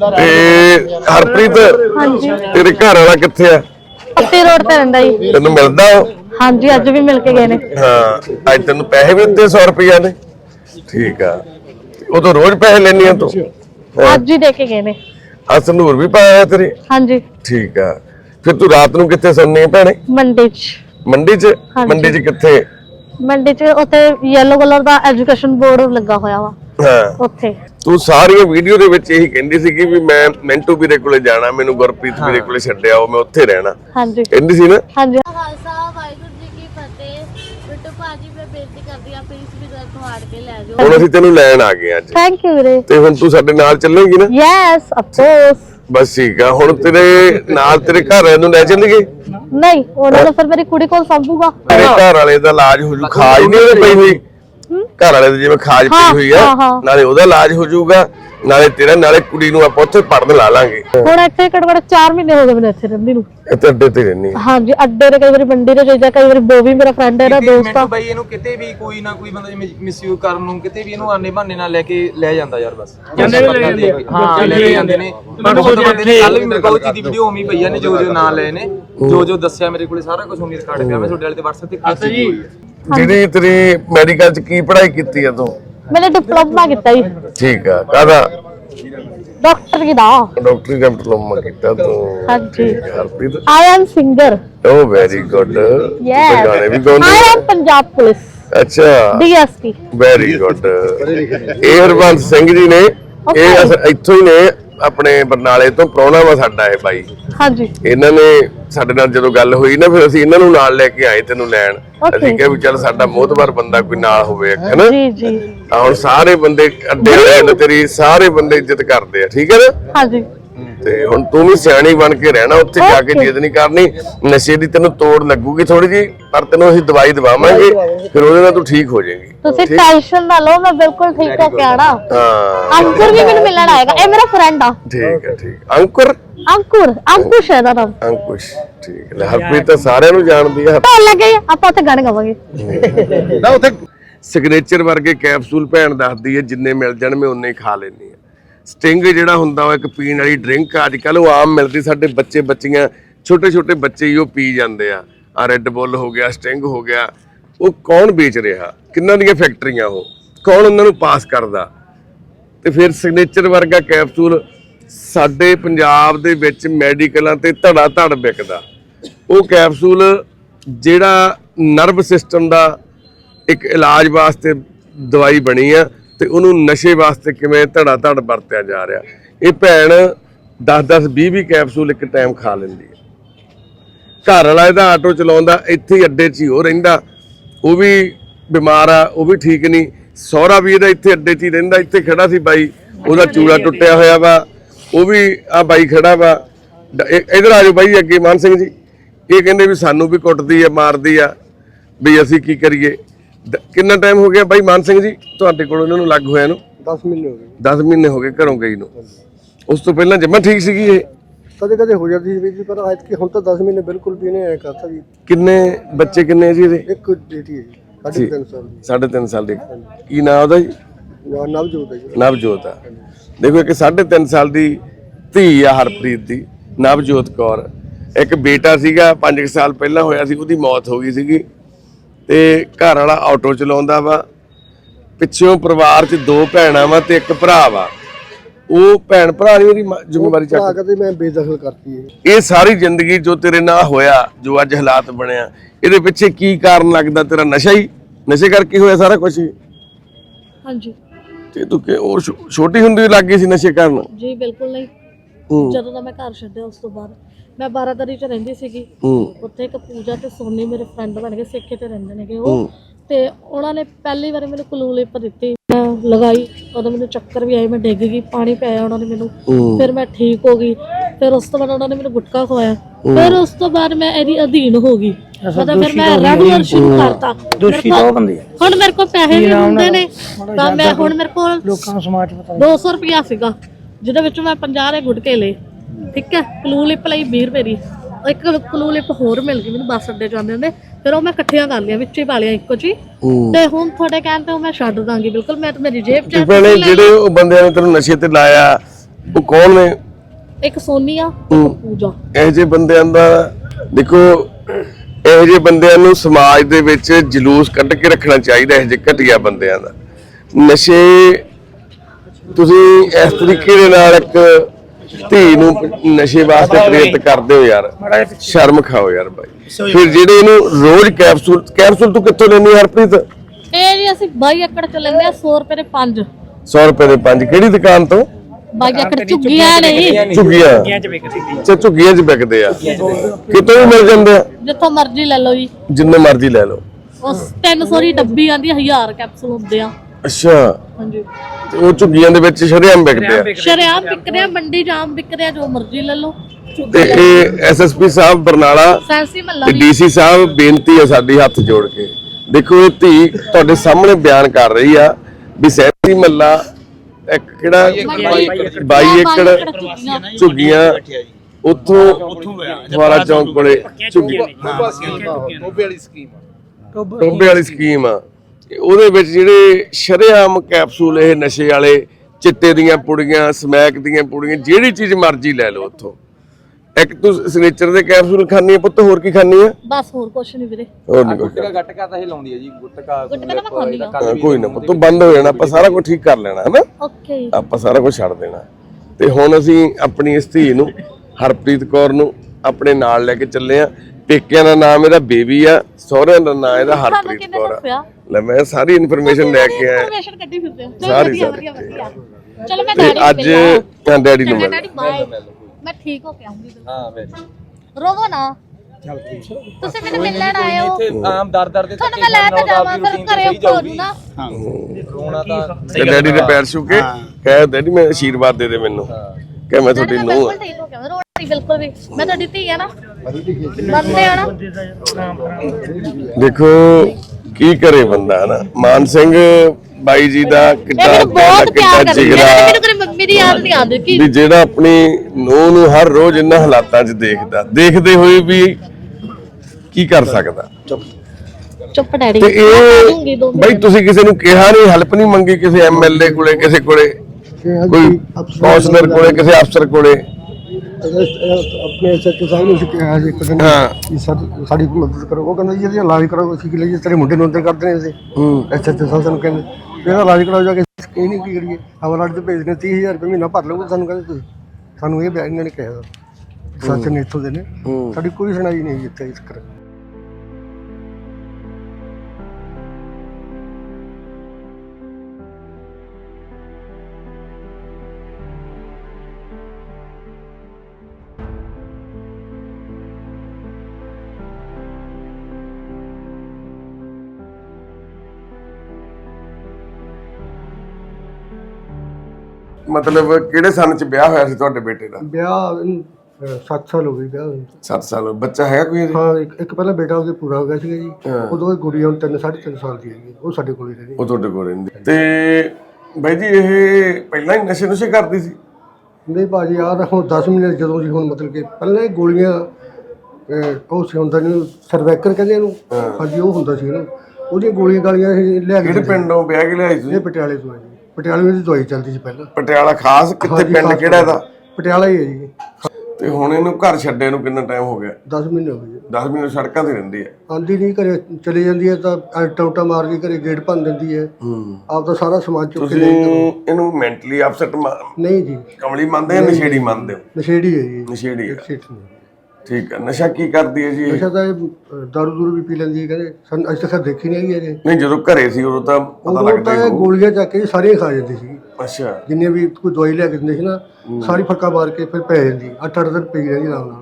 S3: ਤੇ ਹਰਪ੍ਰੀਤ, ਤੇਰੇ ਘਰ ਵਾਲਾ ਕਿੱਥੇ ਆ?
S2: ਪੱਤੀ ਰੋਡ ਤੇ ਰਹਿੰਦਾ ਜੀ।
S3: ਤੈਨੂੰ ਮਿਲਦਾ ਉਹ?
S2: ਹਾਂਜੀ, ਅੱਜ ਵੀ ਮਿਲ ਕੇ ਗਏ ਨੇ।
S3: ਹਾਂ, ਅੱਜ ਤੈਨੂੰ ਪੈਸੇ ਵੀ ਦਿੱਤੇ ਸੌ ਰੁਪਈਆ ਨੇ? ਠੀਕ ਆ। ਉਹ ਤਾਂ ਰੋਜ਼ ਪੈਸੇ ਲੈਣੀ ਆ ਤੂੰ?
S2: ਅੱਜ ਹੀ ਦੇ ਕੇ ਗਏ ਨੇ।
S3: ਆ ਸੰਧੂਰ ਵੀ ਪਾਇਆ ਤੇਰੇ?
S2: ਹਾਂਜੀ।
S3: ਠੀਕ ਆ। ਫਿਰ ਤੂੰ ਰਾਤ ਨੂੰ ਕਿੱਥੇ ਸੌਂਦੀ ਆ ਭੈਣੇ?
S2: ਮੰਡੀ ਚ।
S3: ਮੰਡੀ ਚ? ਮੰਡੀ ਚ ਕਿੱਥੇ?
S2: ਮੰਡੀ ਚ ਉੱਥੇ ਯੈਲੋ ਕਲਰ ਦਾ ਐਜੂਕੇਸ਼ਨ ਬੋਰਡ ਲੱਗਾ ਹੋਇਆ ਵਾ,
S3: ਹਾਂ,
S2: ਉੱਥੇ।
S3: ਤੂੰ ਸਾਰੀਆਂ ਵੀਡੀਓ ਦੇ ਵਿੱਚ ਇਹੀ ਕਹਿੰਦੀ ਸੀ ਕਿ ਵੀ ਮੈਂ ਮਿੰਟੂ ਵੀਰੇ ਕੋਲੇ ਜਾਣਾ, ਮੈਨੂੰ ਗੁਰਪ੍ਰੀਤ ਵੀਰੇ ਕੋਲੇ ਛੱਡਿਆ, ਉਹ ਮੈਂ ਉੱਥੇ ਰਹਿਣਾ।
S2: ਹਾਂਜੀ,
S3: ਕਹਿੰਦੀ ਸੀ ਨਾ?
S2: ਹਾਂਜੀ। ਖਾਲਸਾ ਵਾਹਿਗੁਰੂ ਜੀ ਕੀ ਫਤਿਹ। ਬਿੱਟੂ ਭਾਜੀ, ਮੈਂ ਬੇਨਤੀ ਕਰਦੀ ਆ, ਪਲੀਜ਼ ਵੀ घर ਤੋਂ ਆੜ ਕੇ ਲੈ ਜਾਓ।
S3: ਹੁਣ ਅਸੀਂ ਤੈਨੂੰ ਲੈਣ ਆ ਗਏ ਅੱਜ।
S2: ਥੈਂਕ ਯੂ ਵੀਰੇ।
S3: ਤੇ ਹੁਣ ਤੂੰ ਸਾਡੇ ਨਾਲ ਚੱਲੇਂਗੀ ਨਾ?
S2: Yes, of course.
S3: ਬਸ ਠੀਕ ਆ। ਹੁਣ ਤੇਰੇ ਨਾਲ ਤੇਰੇ ਘਰ ਵਾਲੇ ਨੂੰ ਲੈ ਚੱਲੇਂਗੇ?
S2: ਨਹੀਂ, ਉਹਨਾਂ ਨੂੰ ਫਿਰ ਮੇਰੀ ਕੁੜੀ ਕੋਲ ਸੰਭੂਗਾ।
S3: ਤੇਰੇ ਘਰ ਵਾਲੇ ਦਾ ਇਲਾਜ ਹੋ ਜੂ, ਖਾਜ ਨਹੀਂ ਉਹਦੇ ਪਈ ਹੋਈ? ਘਰ ਵਾਲੇ ਦੀ ਜਿਵੇਂ ਖਾਜ ਪਈ ਹੋਈ ਆ, ਨਾਲੇ ਉਹਦਾ ਇਲਾਜ ਹੋ ਜਾਊਗਾ, ਨਾਲੇ ਤੇਰਾ, ਨਾਲੇ ਕੁੜੀ ਨੂੰ ਆਪਾਂ ਉੱਥੇ ਪੜਨ ਲਾ ਲਾਂਗੇ।
S2: ਹੁਣ ਇੱਥੇ ਘੱਟੋ ਘੱਟ ਚਾਰ ਮਹੀਨੇ ਹੋ ਗਏ ਮੈਨੂੰ ਇੱਥੇ ਰਹਿੰਦੀ ਨੂੰ।
S3: ਇੱਥੇ ਅੱਡੇ ਤੇ ਰਹਿੰਦੀ?
S2: ਹਾਂਜੀ, ਅੱਡੇ ਤੇ, ਕਈ ਵਾਰੀ ਮੰਡੀ ਤੇ ਜਾਈਦਾ, ਕਈ ਵਾਰੀ ਬੋਵੀ ਮੇਰਾ ਫਰੈਂਡ ਹੈ ਨਾ, ਦੋਸਤ ਆ।
S4: ਬਾਈ ਇਹਨੂੰ ਕਿਤੇ ਵੀ ਕੋਈ ਨਾ ਕੋਈ ਬੰਦਾ ਮਿਸਯੂਜ਼ ਕਰਨ ਨੂੰ, ਕਿਤੇ ਵੀ ਇਹਨੂੰ ਆਨੇ ਬਹਾਨੇ ਨਾਲ ਲੈ ਕੇ ਲੈ ਜਾਂਦਾ ਯਾਰ। ਬਸ ਜਾਂਦੇ ਲੈ ਜਾਂਦੇ ਹਾਂ, ਲੈ ਕੇ ਜਾਂਦੇ ਨੇ। ਬਹੁਤ ਬੰਦੇ ਨੇ ਕੱਲ ਵੀ ਮੇਰੇ ਕੋਲ ਉਹ ਚੀਜ਼ ਦੀ ਵੀਡੀਓ ਉਮੀ ਪਈ ਆ ਨੇ, ਜੋ ਜੋ ਨਾਂ ਲਏ ਨੇ, ਜੋ ਜੋ ਦੱਸਿਆ ਮੇਰੇ ਕੋਲੇ ਸਾਰਾ ਕੁਝ ਉਮੀ ਰਿਕਾਰਡ ਪਿਆ। ਮੈਂ ਤੁਹਾਡੇ ਵਾਲੇ ਤੇ WhatsApp ਤੇ ਕੀਤਾ ਜੀ।
S3: ਜਿਹੜੀ ਤੇਰੀ ਮੈਡੀਕਲ ਚ ਕੀ ਪੜ੍ਹਾਈ ਕੀਤੀ ਆ ਤੂੰ?
S2: ਮੈਨੇ ਡਿਪਲੋਮਾ ਕੀਤਾ ਜੀ।
S3: ਠੀਕ ਆ। ਕਾਹਦਾ?
S2: ਡਾਕਟਰ ਦਾ।
S3: ਡਾਕਟਰੀ ਦਾ ਡਿਪਲੋਮਾ ਕੀਤਾ ਤੂੰ?
S2: ਹਾਂਜੀ।
S3: Harpreet,
S2: I am singer.
S3: Oh very good.
S2: Yes,
S3: ਗਾਣੇ ਵੀ ਗਾਉਂਦੀ?
S2: I am Punjab police.
S3: ਅੱਛਾ,
S2: ਡੀਐਸਪੀ।
S3: Very good. ਇਹ ਹਰਬੰਸ ਸਿੰਘ ਜੀ ਨੇ, ਇਹ ਅਸ- ਇੱਥੋਂ ਹੀ ਨੇ, ਆਪਣੇ ਬਰਨਾਲੇ ਤੋਂ। ਪ੍ਰਾਹੁਣਾ ਵਾ ਸਾਡਾ ਇਹ ਬਾਈ।
S2: ਹਾਂਜੀ।
S3: ਇਹਨਾਂ ਨੇ ਸਾਡੇ ਨਾਲ ਜਦੋਂ ਗੱਲ ਹੋਈ ਨਾ, ਫਿਰ ਅਸੀਂ ਇਹਨਾਂ ਨੂੰ ਨਾਲ ਲੈ ਕੇ ਆਏ ਤੈਨੂੰ ਲੈਣ। ਅਸੀਂ ਕਿਹਾ ਵੀ ਚੱਲ ਸਾਡਾ ਮੋਹਤਬਰ ਬੰਦਾ ਕੋਈ ਨਾਲ ਹੋਵੇ, ਹੈਨਾ?
S2: ਜੀ ਜੀ।
S3: ਆ ਹੁਣ ਸਾਰੇ ਬੰਦੇ ਅੱਡੇ ਵਾਲੇ ਨੇ ਤੇਰੀ, ਸਾਰੇ ਬੰਦੇ ਇੱਜ਼ਤ ਕਰਦੇ ਆ, ਠੀਕ ਹੈ ਨਾ?
S2: ਹਾਂਜੀ।
S3: ਤੇ ਹੁਣ ਤੂੰ ਵੀ ਸਿਆਣੀ ਬਣ ਕੇ ਰਹਿਣਾ, ਉੱਥੇ ਜਾ ਕੇ ਜਿੱਦ ਨਹੀਂ ਕਰਨੀ। ਨਸ਼ੇ ਦੀ ਤੈਨੂੰ ਤੋੜ ਲੱਗੂਗੀ ਥੋੜੀ ਜੀ, ਪਰ ਤੈਨੂੰ ਅਸੀਂ ਦਵਾਈ ਦਵਾਵਾਂਗੇ, ਫਿਰ ਉਹਦੇ ਨਾਲ ਤੂੰ ਠੀਕ ਹੋ ਜਾਏਗੀ।
S2: ਤੁਸੀਂ ਟੈਨਸ਼ਨ ਨਾ ਲਓ, ਮੈਂ ਬਿਲਕੁਲ ਠੀਕ ਹੋ ਕੇ ਆਣਾ।
S3: ਹਾਂ,
S2: ਅੰਕੁਰ ਵੀ ਮੈਨੂੰ ਮਿਲਣ ਆਏਗਾ, ਇਹ ਮੇਰਾ ਫਰੈਂਡ ਆ।
S3: ਠੀਕ ਹੈ, ਠੀਕ। ਅੰਕੁਰ?
S2: ਅੰਕੁਰ, ਅੰਕੁਸ਼ ਹੈ ਦਾ ਨਾਮ।
S3: ਅੰਕੁਸ਼, ਠੀਕ ਹੈ। ਹਰਪ੍ਰੀਤ ਤਾਂ ਸਾਰਿਆਂ ਨੂੰ ਜਾਣਦੀ ਆ।
S2: ਢੋਲ ਲੱਗੇ, ਆਪਾਂ ਉੱਥੇ ਗਾਣੇ ਗਾਵਾਂਗੇ
S3: ਨਾ। ਉੱਥੇ ਸਿਗਨੇਚਰ ਵਰਗੇ ਕੈਪਸੂਲ ਭੈਣ ਦੱਸਦੀ ਹੈ, ਜਿੰਨੇ ਮਿਲ ਜਾਣ ਮੈਂ ਉਨੇ ਹੀ ਖਾ ਲੈਂਦੀ ਆ। ਸਟਿੰਗ ਜਿਹੜਾ ਹੁੰਦਾ ਉਹ ਇੱਕ ਪੀਣ ਵਾਲੀ ਡਰਿੰਕ ਅੱਜ ਕੱਲ ਉਹ ਆਮ ਮਿਲਦੀ। ਸਾਡੇ ਬੱਚੇ ਬੱਚੀਆਂ ਛੋਟੇ ਛੋਟੇ ਬੱਚੇ ਹੀ ਉਹ ਪੀ ਜਾਂਦੇ ਆ। ਆ ਰੈੱਡ ਬੁੱਲ ਹੋ ਗਿਆ, ਸਟਿੰਗ ਹੋ ਗਿਆ, ਉਹ ਕੌਣ ਵੇਚ ਰਿਹਾ? ਕਿੰਨਾਂ ਦੀਆਂ ਫੈਕਟਰੀਆਂ ਉਹ? ਕੌਣ ਉਹਨਾਂ ਨੂੰ ਪਾਸ ਕਰਦਾ। ਤੇ ਫਿਰ ਸਿਗਨੇਚਰ ਵਰਗਾ ਕੈਪਸੂਲ ਸਾਡੇ ਪੰਜਾਬ ਦੇ ਵਿੱਚ ਮੈਡੀਕਲਾਂ ਤੇ ਧੜਾ ਧੜ ਵਿਕਦਾ। ਉਹ ਕੈਪਸੂਲ ਜਿਹੜਾ ਨਰਵ ਸਿਸਟਮ ਦਾ ਇੱਕ ਇਲਾਜ ਵਾਸਤੇ ਦਵਾਈ ਬਣੀ ਆ ਤੇ ਉਹਨੂੰ ਨਸ਼ੇ ਵਾਸਤੇ ਕਿਵੇਂ ਧੜਾ ਧੜ ਵਰਤਿਆ ਜਾ ਰਿਹਾ। ਇਹ ਭੈਣ ਦਸ ਦਸ ਵੀਹ ਵੀਹ ਕੈਪਸੂਲ ਇੱਕ ਟਾਈਮ ਖਾ ਲੈਂਦੀ ਹੈ। ਘਰ ਵਾਲਾ ਇਹਦਾ ਆਟੋ ਚਲਾਉਂਦਾ, ਇੱਥੇ ਹੀ ਅੱਡੇ 'ਚ ਹੀ ਉਹ ਰਹਿੰਦਾ, ਉਹ ਵੀ ਬਿਮਾਰ ਆ, ਉਹ ਵੀ ਠੀਕ ਨਹੀਂ। ਸਹੁਰਾ ਵੀ ਇਹਦਾ ਇੱਥੇ ਅੱਡੇ 'ਚ ਹੀ ਰਹਿੰਦਾ, ਇੱਥੇ ਖੜਾ ਸੀ ਬਾਈ, ਉਹਦਾ ਚੂੜਾ ਟੁੱਟਿਆ ਹੋਇਆ ਵਾ, ਉਹ ਵੀ ਆ ਬਾਈ ਖੜਾ ਵਾ। ਇਧਰ ਆ ਜਾਓ ਬਾਈ ਅੱਗੇ, ਮਾਨ ਸਿੰਘ ਜੀ। ਇਹ ਕਹਿੰਦੇ ਵੀ ਸਾਨੂੰ ਵੀ ਕੁੱਟਦੀ ਆ, ਮਾਰਦੀ ਆ, ਵੀ ਅਸੀਂ ਕੀ ਕਰੀਏ। ਕਿੰਨਾ ਟਾਈਮ ਹੋ ਗਿਆ ਬਾਈ ਮਾਨ ਸਿੰਘ ਜੀ ਤੁਹਾਡੇ ਕੋਲ ਇਹਨਾਂ ਨੂੰ ਲੱਗ ਹੋਇਆ ਨੂੰ?
S7: ਦਸ ਮਹੀਨੇ ਹੋ ਗਏ।
S3: ਦਸ ਮਹੀਨੇ ਹੋ ਗਏ ਘਰੋਂ ਗਈ ਨੂੰ। ਉਸ ਤੋਂ ਪਹਿਲਾਂ ਜਮਾਂ ਠੀਕ ਸੀਗੀ ਇਹ?
S7: ਕਦੇ ਕਦੇ ਹੋ ਜਾਂਦੀ ਸੀ ਜੀ, ਪਰ ਅੱਜ ਕਿ ਹੁਣ ਤਾਂ ਦਸ ਮਹੀਨੇ ਬਿਲਕੁਲ ਵੀ ਨਹੀਂ ਐ ਕਰਤਾ ਜੀ।
S3: ਕਿੰਨੇ ਬੱਚੇ ਕਿੰਨੇ ਜੀ ਇਹਦੇ?
S7: ਇੱਕ ਬੇਟੀ ਹੈ ਜੀ, ਸਾਢੇ ਤਿੰਨ ਸਾਲ ਦੀ।
S3: ਸਾਢੇ ਤਿੰਨ ਸਾਲ ਦੀ। ਕੀ ਨਾਂ ਉਹਦਾ ਜੀ?
S7: ਨਵਜੋਤ ਹੈ ਜੀ।
S3: ਨਵਜੋਤ ਆ। ਦੇਖੋ ਇੱਕ ਸਾਢੇ ਤਿੰਨ ਸਾਲ ਦੀ ਧੀ ਆ ਹਰਪ੍ਰੀਤ ਦੀ, ਨਵਜੋਤ ਕੌਰ। ਇੱਕ ਬੇਟਾ ਸੀਗਾ ਪੰਜ ਸਾਲ ਪਹਿਲਾਂ ਹੋਇਆ ਸੀ, ਉਹਦੀ ਮੌਤ ਹੋ ਗਈ ਸੀਗੀ। ਤੇ ਘਰ ਵਾਲਾ ਆਟੋ ਚਲਾਉਂਦਾ ਵਾ। ਪਿੱਛੋਂ ਪਰਿਵਾਰ 'ਚ ਦੋ ਭੈਣਾਂ ਵਾ ਤੇ ਇੱਕ ਭਰਾ ਵਾ। ਉਹ ਭੈਣ ਭਰਾ ਨਹੀਂ ਉਹਦੀ ਜ਼ਿੰਮੇਵਾਰੀ ਚੱਕ
S7: ਕਦੇ ਮੈਂ ਬੇਦਖਲ ਕਰਤੀ ਹੈ।
S3: ਇਹ ਸਾਰੀ ਜ਼ਿੰਦਗੀ ਜੋ ਤੇਰੇ ਨਾਲ ਹੋਇਆ, ਜੋ ਅੱਜ ਹਾਲਾਤ ਬਣਿਆ, ਇਹਦੇ ਪਿੱਛੇ ਕੀ ਕਾਰਨ ਲੱਗਦਾ? ਤੇਰਾ ਨਸ਼ਾ ਹੀ, ਨਸ਼ੇ ਕਰਕੇ ਹੋਇਆ ਸਾਰਾ ਕੁਝ ਹੀ?
S2: ਹਾਂਜੀ
S3: ਤੇ ਤੂੰ ਕਿ ਉਹ ਛੋਟੀ ਹੁੰਦੀ ਲੱਗ ਗਈ ਸੀ ਨਸ਼ੇ ਕਰਨ?
S2: ਜੀ ਬਿਲਕੁਲ ਨਹੀਂ। ਜਦੋਂ ਦਾ ਮੈਂ ਘਰ ਛੱਡਿਆ ਉਸ ਤੋਂ ਬਾਅਦ ਮੈਂ ਬਾਰਾਦਰੀ 'ਚ ਰਹਿੰਦੀ ਸੀਗੀ। ਉੱਥੇ ਇੱਕ ਪੂਜਾ ਤੇ ਸੋਨੀ ਮੇਰੇ ਫਰੈਂਡ ਬਣ ਗਏ, ਸਿੱਖੇ ਤੇ ਰਹਿੰਦੇ ਨੇਗੇ ਉਹ। ਤੇ ਉਹਨਾਂ ਨੇ ਪਹਿਲੀ ਵਾਰੀ ਮੈਨੂੰ ਕਲੂ ਲਿਪ ਦਿੱਤੀ, ਮੈਂ ਲਗਾਈ, ਉਦੋਂ ਮੈਨੂੰ ਚੱਕਰ ਵੀ ਆਏ, ਮੈਂ ਡਿੱਗ ਗਈ, ਪਾਣੀ ਪਿਆਇਆ ਉਹਨਾਂ ਨੇ ਮੈਨੂੰ, ਫਿਰ ਮੈਂ ਠੀਕ ਹੋ ਗਈ। ਫਿਰ ਉਸ ਤੋਂ ਬਾਅਦ ਉਹਨਾਂ ਨੇ ਮੈਨੂੰ ਗੁਟਕਾ ਖਵਾਇਆ। ਫਿਰ ਉਸ ਤੋਂ ਬਾਅਦ ਮੈਂ ਇਹਦੀ ਅਧੀਨ ਹੋ ਗਈ, ਮਤਲਬ ਫਿਰ ਮੈਂ ਰੈਗੂਲਰ ਸ਼ੁਰੂ ਕਰਤਾ। ਹੁਣ ਮੇਰੇ ਕੋਲ ਪੈਸੇ ਵੀ ਹੁੰਦੇ ਨੇ ਤਾਂ ਮੈਂ ਹੁਣ ਮੇਰੇ ਕੋਲ ਲੋਕਾਂ ਨੂੰ ਸਮਾਜ ਪਤਾ ਦੋ ਸੌ ਰੁਪਇਆ ਸੀਗਾ, ਜਿਹਦੇ ਵਿੱਚ ਮੈਂ ਪੰਜਾਹ ਦੇ ਗੁਟਕੇ ਲਏ। ਠੀਕ ਹੈ, ਕਲੂ ਲਿਪ ਲਈ ਵੀਹ ਰੁਪਏ ਦੀ, ਇੱਕ ਕਲੂ ਲਿਪ ਹੋਰ ਮਿਲ ਗਈ ਮੈਨੂੰ ਬੱਸ ਅੱਡੇ ਜਾਂਦੇ ਹੁੰਦੇ, ਫਿਰ ਉਹ ਮੈਂ ਇਕੱਠੀਆਂ ਕਰ ਲਿਆ, ਵਿੱਚ ਹੀ ਪਾ ਲਿਆ ਇੱਕੋ ਜੀ। ਤੇ ਹੁਣ ਤੁਹਾਡੇ ਕਹਿਣ ਤੇ ਉਹ ਮੈਂ ਛੱਡ ਦਾਂਗੀ ਬਿਲਕੁਲ। ਮੈਂ ਤੇ ਮੇਰੀ ਜੇਬ 'ਚ
S3: ਜਿਹੜੇ ਉਹ ਬੰਦਿਆਂ ਨੇ ਤੈਨੂੰ ਨਸ਼ੇ ਤੇ ਲਾਇਆ ਉਹ ਕੌਣ ਨੇ?
S2: ਇੱਕ ਸੋਨੀ ਆ, ਇੱਕ ਪੂਜਾ।
S3: ਇਹੋ ਜਿਹੇ ਬੰਦਿਆਂ ਦਾ ਦੇਖੋ, ਇਹੋ ਜਿਹੇ ਬੰਦਿਆਂ ਨੂੰ ਸਮਾਜ ਦੇ ਵਿੱਚ ਜਲੂਸ ਕੱਢ ਕੇ ਰੱਖਣਾ ਚਾਹੀਦਾ। ਇਹੋ ਜਿਹੇ ਘਟੀਆ ਬੰਦਿਆਂ ਦਾ ਨਸ਼ੇ ਤੁਸੀਂ ਇਸ ਤਰੀਕੇ ਦੇ ਨਾਲ ਇੱਕ ਧੀ ਨੂੰ ਨਸ਼ੇ ਵਾਸਤੇ ਪ੍ਰੇਰਿਤ ਕਰਦੇ ਹੋ ਯਾਰ, ਸ਼ਰਮ ਖਾਓ ਯਾਰ ਬਾਈ। ਫਿਰ ਜਿਹੜੇ ਇਹਨੂੰ ਰੋਜ਼ ਕੈਪਸੂਲ ਕੈਪਸੂਲ ਤੂੰ ਕਿੱਥੋਂ ਲੈਣੀ ਹਰਪ੍ਰੀਤ?
S2: ਇਹ ਜੀ ਅਸੀਂ ਬਾਈ ਏਕੜ ਚ ਲੈਂਦੇ ਆ, ਸੌ ਰੁਪਏ ਦੇ ਪੰਜ।
S3: ਸੌ ਰੁਪਏ ਦੇ ਪੰਜ? ਕਿਹੜੀ ਦੁਕਾਨ ਤੋਂ?
S2: ਬਾਈ ਏਕੜ ਝੁੱਗੀਆਂ ਨਹੀਂ,
S3: ਝੁੱਗੀਆਂ 'ਚ ਵਿਕਦੇ। ਅੱਛਾ, ਝੁੱਗੀਆਂ 'ਚ ਵਿਕਦੇ ਆ, ਕਿਤੋਂ ਵੀ ਮਿਲ ਜਾਂਦੇ ਆ?
S2: ਜਿੱਥੋਂ ਮਰਜ਼ੀ ਲੈ ਲਓ ਜੀ,
S3: ਜਿੰਨੇ ਮਰਜ਼ੀ ਲੈ ਲਓ।
S2: ਉਸ ਤਿੰਨ ਸੌ ਦੀ ਡੱਬੀ ਆਂਦੀ, ਹਜ਼ਾਰ ਕੈਪਸੂਲ ਹੁੰਦੇ ਆ।
S3: ਅੱਛਾ,
S2: ਹਾਂਜੀ।
S3: ਉਹ ਝੁੱਗੀਆਂ ਦੇ ਵਿੱਚ ਸ਼ਰੇਆਮ ਵਿਕਦੇ ਆ?
S2: ਸ਼ਰੇਆਮ ਵਿਕਦੇ ਆ, ਮੰਡੀ ਜਾਮ ਵਿਕਦੇ ਆ, ਜੋ ਮਰਜ਼ੀ ਲੈ ਲਓ।
S3: ਤੇ ਇਹ ਐਸਐਸਪੀ ਸਾਹਿਬ ਬਰਨਾਲਾ
S2: ਸੈਂਸੀ ਮਹੱਲਾ
S3: ਤੇ ਡੀਸੀ ਸਾਹਿਬ, ਬੇਨਤੀ ਹੈ ਸਾਡੀ ਹੱਥ ਜੋੜ ਕੇ, ਦੇਖੋ ਇਹ ਧੀ ਤੁਹਾਡੇ ਸਾਹਮਣੇ ਬਿਆਨ ਕਰ ਰਹੀ ਆ ਵੀ ਸੈਂਸੀ ਮਹੱਲਾ ਇੱਕ ਕਿਹੜਾ ਬਾਈ ਏਕੜ ਝੁੱਗੀਆਂ, ਉੱਥੋਂ ਫੁਆਰਾ ਚੌਂਕ ਕੋਲੇ ਝੁੱਗੀਆਂ, ਟੋਬੇ ਵਾਲੀ ਸਕੀਮ ਆ। ਉਹਦੇ ਵਿੱਚ ਜਿਹੜੇ ਸ਼ਰੇਆਮ ਕੈਪਸੂਲ, ਇਹ ਨਸ਼ੇ ਵਾਲੇ, ਚਿੱਟੇ ਦੀਆਂ ਪੁੜੀਆਂ, ਸਮੈਕ ਦੀਆਂ ਪੁੜੀਆਂ, ਜਿਹੜੀ ਚੀਜ਼ ਮਰਜ਼ੀ ਲੈ ਲਓ ਉੱਥੋਂ। ਇੱਕ ਤੂੰ ਸਿਗਨੇਚਰ ਦੇ ਕੈਪਸੂਲ ਖਾਣੀ ਆ ਪੁੱਤ, ਹੋਰ ਕੀ ਖਾਣੀ ਆ?
S2: ਬਸ ਹੋਰ ਕੁਛ ਨਹੀਂ ਵੀਰੇ।
S3: ਹੋਰ ਨਹੀਂ ਕੁਛ?
S4: ਗੁਟਕਾ ਗੱਟਕਾ ਤਾਂ ਇਹ ਲਾਉਂਦੀ ਹੈ ਜੀ, ਗੁਟਕਾ
S2: ਗੁਟਕਾ ਤਾਂ ਮੈਂ ਖਾਂਦੀ ਆ।
S3: ਕੋਈ ਨਾ ਪੁੱਤ, ਬੰਦ ਹੋ ਜਾਣਾ, ਆਪਾਂ ਸਾਰਾ ਕੁਝ ਠੀਕ ਕਰ ਲੈਣਾ ਹੈ ਨਾ।
S2: ਓਕੇ,
S3: ਆਪਾਂ ਸਾਰਾ ਕੁਝ ਛੱਡ ਦੇਣਾ। ਤੇ ਹੁਣ ਅਸੀਂ ਆਪਣੀ ਇਸ ਧੀ ਨੂੰ, ਹਰਪ੍ਰੀਤ ਕੌਰ ਨੂੰ, ਆਪਣੇ ਨਾਲ ਲੈ ਕੇ ਚੱਲੇ ਆ। ਪੇਕਿਆਂ ਦਾ ਨਾਮ ਇਹਦਾ ਬੇਬੀ ਆ, ਸਹੁਰਿਆਂ ਦਾ ਨਾਮ ਇਹਦਾ ਹਰਪ੍ਰੀਤ ਕੌਰ ਆ। ਲੈ ਮੈਂ ਸਾਰੀ ਇਨਫੋਰਮੇਸ਼ਨ ਲੈ ਕੇ ਆਇਆ,
S2: ਇਨਫੋਰਮੇਸ਼ਨ ਕੱਢੀ ਫਿਰਦੇ ਆ।
S3: ਸਾਰੀ
S2: ਚਲੋ
S3: ਸਾਰੀ।
S2: ਚਲੋ ਮੈਂ
S3: ਤੇ ਅੱਜ ਡੈਡੀ ਨੂੰ ਮਿਲ,
S2: ਡੈਡੀ ਬਾਏ, ਮੈਂ ਠੀਕ ਹੋ ਕੇ ਆਉਂਗੀ।
S4: ਹਾਂ ਵੈਰੀ
S2: ਰੋਵੋ ਨਾ, ਤੁਸੀਂ ਮੈਨੂੰ ਮਿਲਣ ਆਏ ਹੋ।
S4: ਇੱਥੇ ਆਮ ਦਰ ਦਰ ਦੇ
S2: ਤੁਹਾਨੂੰ ਮੈਂ ਲੈ ਕੇ ਜਾਵਾਂ, ਫਿਰ ਘਰੇ ਔਖਾ ਹੋ ਜੂ ਨਾ।
S4: ਰੋਣਾ ਤਾਂ
S3: ਤੇ ਡੈਡੀ ਦੇ ਪੈਰ ਛੂ ਕੇ ਕਹਿ, ਡੈਡੀ ਮੈਂ ਆਸ਼ੀਰਵਾਦ ਦੇ ਦੇ ਮੈਨੂੰ, ਕਹਿ ਮੈਂ ਤੁਹਾਡੀ ਨੂੰਹ ਆ।
S2: ਬਿਲਕੁਲ ਠੀਕ ਹੋ ਗਿਆ, ਰੋਣਾ ਨਹੀਂ ਬਿਲਕੁਲ ਵੀ, ਮੈਂ ਤੁਹਾਡੀ ਧੀ ਆ ਨਾ, ਮੰਨਦੇ ਆ ਨਾ।
S3: ਦੇਖੋ ਕੀ ਕਰੇ ਬੰਦਾ ਨਾ। ਮਾਨ ਸਿੰਘ ਬਾਈ ਜੀ ਦਾ ਕਿੱਡਾ
S2: ਬਹੁਤ ਪਿਆਰ
S3: ਕਿੱਡਾ
S2: ਕਰਦੇ ਨੇ,
S3: ਜਿਗਰਾ,
S2: ਮੈਨੂੰ ਕਦੇ ਮੰਮੀ ਦੀ ਯਾਦ ਨਹੀਂ ਆਉਂਦੀ ਕਿ
S3: ਵੀ ਜਿਹੜਾ ਆਪਣੀ ਨੂੰਹ ਨੂੰ ਹਰ ਰੋਜ਼ ਇਹਨਾਂ ਹਾਲਾਤਾਂ 'ਚ ਦੇਖਦਾ, ਦੇਖਦੇ ਹੋਏ ਵੀ ਕੀ ਕਰ ਸਕਦਾ।
S2: ਚੁੱਪ ਡੈਡੀ।
S3: ਤੇ ਇਹ ਬਾਈ ਤੁਸੀਂ ਕਿਸੇ ਨੂੰ ਕਿਹਾ ਨਹੀਂ, ਹੈਲਪ ਨਹੀਂ ਮੰਗੀ ਕਿਸੇ ਐਮਐਲਏ ਕੋਲੇ, ਕਿਸੇ ਕੋਲੇ, ਕੋਈ ਕੌਂਸਲਰ ਕੋਲੇ, ਕਿਸੇ ਅਫਸਰ ਕੋਲੇ?
S7: ਆਪਣੇ ਐਸਐਚਓ ਸਾਹਿਬ ਨੂੰ ਅਸੀਂ ਕਿਹਾ ਸੀ ਇੱਕ ਦਿਨ ਕਿ ਸਾਡੀ ਮਦਦ ਕਰੋ। ਉਹ ਕਹਿੰਦਾ ਜੀ ਇਹਦਾ ਇਲਾਜ ਕਰੋ, ਅਸੀਂ ਕਿ ਲਈ ਤੇਰੇ ਮੁੰਡੇ ਨੂੰ ਅੰਦਰ ਕਰ ਦੇਣੇ ਅਸੀਂ। ਐਸਐਚਓ ਸਾਹਿਬ ਸਾਨੂੰ ਕਹਿੰਦੇ ਇਹਦਾ ਇਲਾਜ ਕਰਾਓ ਜਾ ਕੇ, ਇਹ ਨਹੀਂ ਕੀ ਕਰੀਏ ਹਵਾਲਾਟ ਤੇ ਭੇਜਦੇ ਤੀਹ ਹਜ਼ਾਰ ਰੁਪਏ ਮਹੀਨਾ ਭਰ ਲਓ, ਸਾਨੂੰ ਕਹਿੰਦੇ ਤੁਸੀਂ ਸਾਨੂੰ ਇਹ ਵਿਆਜ ਇਹਨਾਂ ਨੇ ਕਿਹਾ ਸੱਚ ਨੇ ਇੱਥੋਂ ਦੇ ਨੇ, ਸਾਡੀ ਕੋਈ ਸੁਣਾਈ ਨਹੀਂ ਇੱਥੇ ਇਸ ਕਰ
S3: ਮਤਲਬ ਕਿਹੜੇ ਸੰਨ ਚ ਵਿਆਹ ਹੋਇਆ ਸੀ ਤੁਹਾਡੇ ਬੇਟੇ ਦਾ?
S7: ਵਿਆਹ ਇਹਨੂੰ, ਅਹ, ਸੱਤ ਸਾਲ ਹੋ ਗਏ ਵਿਆਹ ਹੋਏ ਨੂੰ।
S3: ਸੱਤ ਸਾਲ। ਬੱਚਾ ਹੈਗਾ ਕੋਈ ਇਹਦੇ?
S7: ਹਾਂ ਇੱਕ ਇੱਕ ਪਹਿਲਾਂ ਬੇਟਾ ਉਹਦੇ ਪੂਰਾ ਹੋ ਗਿਆ ਸੀਗਾ ਜੀ, ਉਦੋਂ ਗੁੜੀਆ ਹੁਣ ਤਿੰਨ ਸਾਢੇ ਤਿੰਨ ਸਾਲ ਦੀ ਹੈਗੀ, ਉਹ ਸਾਡੇ ਕੋਲ ਹੀ ਰਹਿੰਦੀ।
S3: ਉਹ ਤੁਹਾਡੇ ਕੋਲ ਰਹਿੰਦੀ। ਤੇ ਬਾਈ ਜੀ ਇਹ ਪਹਿਲਾਂ ਹੀ ਨਸ਼ੇ ਨੁਸ਼ੇ ਕਰਦੀ ਸੀ?
S7: ਨਹੀਂ ਭਾਜੀ ਆਹ ਤਾਂ ਹੁਣ ਦਸ ਮਹੀਨੇ ਜਦੋਂ ਜੀ ਹੁਣ ਮਤਲਬ ਕਿ ਪਹਿਲਾਂ ਇਹ ਗੋਲੀਆਂ ਅਹ, ਉਹ ਸੀ ਹੁੰਦਾ ਜਿਹਨੂੰ ਸਰਵੈਕਰ ਕਹਿੰਦੇ ਇਹਨੂੰ, ਹਾਂਜੀ ਉਹ ਹੁੰਦਾ ਸੀ ਇਹਨੂੰ, ਉਹਦੀਆਂ ਗੋਲੀਆਂ ਗਾਲੀਆਂ ਅਸੀਂ ਲਿਆ ਕੇ
S3: ਕਿਹੜੇ ਪਿੰਡੋਂ ਵਿਆਹ ਕੇ ਲਿਆਈ ਸੀ?
S7: ਇਹ ਪਟਿਆਲੇ ਤੋਂ ਹੈ ਜੀ, ਪਟਿਆਲੇ ਦੀ ਦਵਾਈ ਚੱਲਦੀ ਸੀ ਪਹਿਲਾਂ।
S3: ਪਟਿਆਲਾ ਖਾਸ? ਕਿੱਥੇ
S7: ਹਾਂਜੀ,
S3: ਪਿੰਡ
S7: ਖਾਸ
S3: ਕਿਹੜਾ ਇਹਦਾ?
S7: ਪਟਿਆਲਾ ਹੀ ਹੈ ਜੀ।
S3: ਤੇ ਹੁਣ ਇਹਨੂੰ ਘਰ ਛੱਡੇ ਨੂੰ ਕਿੰਨਾ ਟਾਈਮ ਹੋ ਗਿਆ?
S7: ਦਸ ਮਹੀਨੇ ਹੋ ਗਏ ਜੀ।
S3: ਦਸ ਮਹੀਨੇ ਸੜਕਾਂ ਤੇ ਰਹਿੰਦੀ ਹੈ?
S7: ਆਂਦੀ ਨਹੀਂ ਘਰੇ ਚਲੀ ਜਾਂਦੀ ਹੈ ਤਾਂ ਟੌਟਾ ਮਾਰ ਕੇ ਘਰੇ ਗੇਟ ਭੰਨ ਦਿੰਦੀ ਹੈ, ਆਪਦਾ ਸਾਰਾ ਸਮਾਨ ਚੁੱਕ ਕੇ
S3: ਤੁਸੀਂ
S7: ਲੈ ਜਾਂਦੀ।
S3: ਇਹਨੂੰ ਮੈਂਟਲੀ ਅਪਸੈਟ
S7: ਨਹੀਂ ਜੀ,
S3: ਕਮਲੀ ਮੰਨਦੇ ਆ ਨਸ਼ੇੜੀ ਮੰਨਦੇ ਹੋ?
S7: ਨਸ਼ੇੜੀ ਹੈ ਜੀ,
S3: ਨਸ਼ੇੜੀ ਆ।
S7: ਸਿੱਟ ਨਹੀਂ।
S3: ਠੀਕ ਹੈ। ਨਸ਼ਾ ਕੀ ਕਰਦੀ ਹੈ ਜੀ ਇਹ?
S7: ਨਸ਼ਾ ਤਾਂ ਇਹ ਦਾਰੂ ਦੂਰੂ ਵੀ ਪੀ ਲੈਂਦੀ ਹੈ ਕਹਿੰਦੇ, ਸਾਨੂੰ ਅੱਜ ਤੱਕ ਦੇਖੀ ਨਹੀਂ ਹੈਗੀ ਅਜੇ।
S3: ਨਹੀਂ ਜਦੋਂ ਘਰੇ ਸੀ ਉਦੋਂ ਤਾਂ ਪਤਾ
S7: ਉਦੋਂ
S3: ਲੱਗਦਾ
S7: ਤਾਂ
S3: ਹੀ
S7: ਇਹ
S3: ਹੋਊ।
S7: ਗੋਲੀਆਂ ਚੱਕ ਕੇ ਸਾਰੀਆਂ ਖਾ ਜਾਂਦੀ ਸੀ,
S3: ਅੱਛਾ।
S7: ਜਿੰਨੇ ਵੀ ਕੋਈ ਦਵਾਈ ਲਿਆ ਕੇ ਦਿੰਦੇ ਸੀ ਨਾ, ਸਾਰੀ ਫੱਕਾ ਮਾਰ ਕੇ ਫਿਰ ਪੈ ਜਾਂਦੀ, ਅੱਠ ਅੱਠ ਦਿਨ ਪਈ ਰਹਿੰਦੀ ਨਾਲ ਨਾਲ।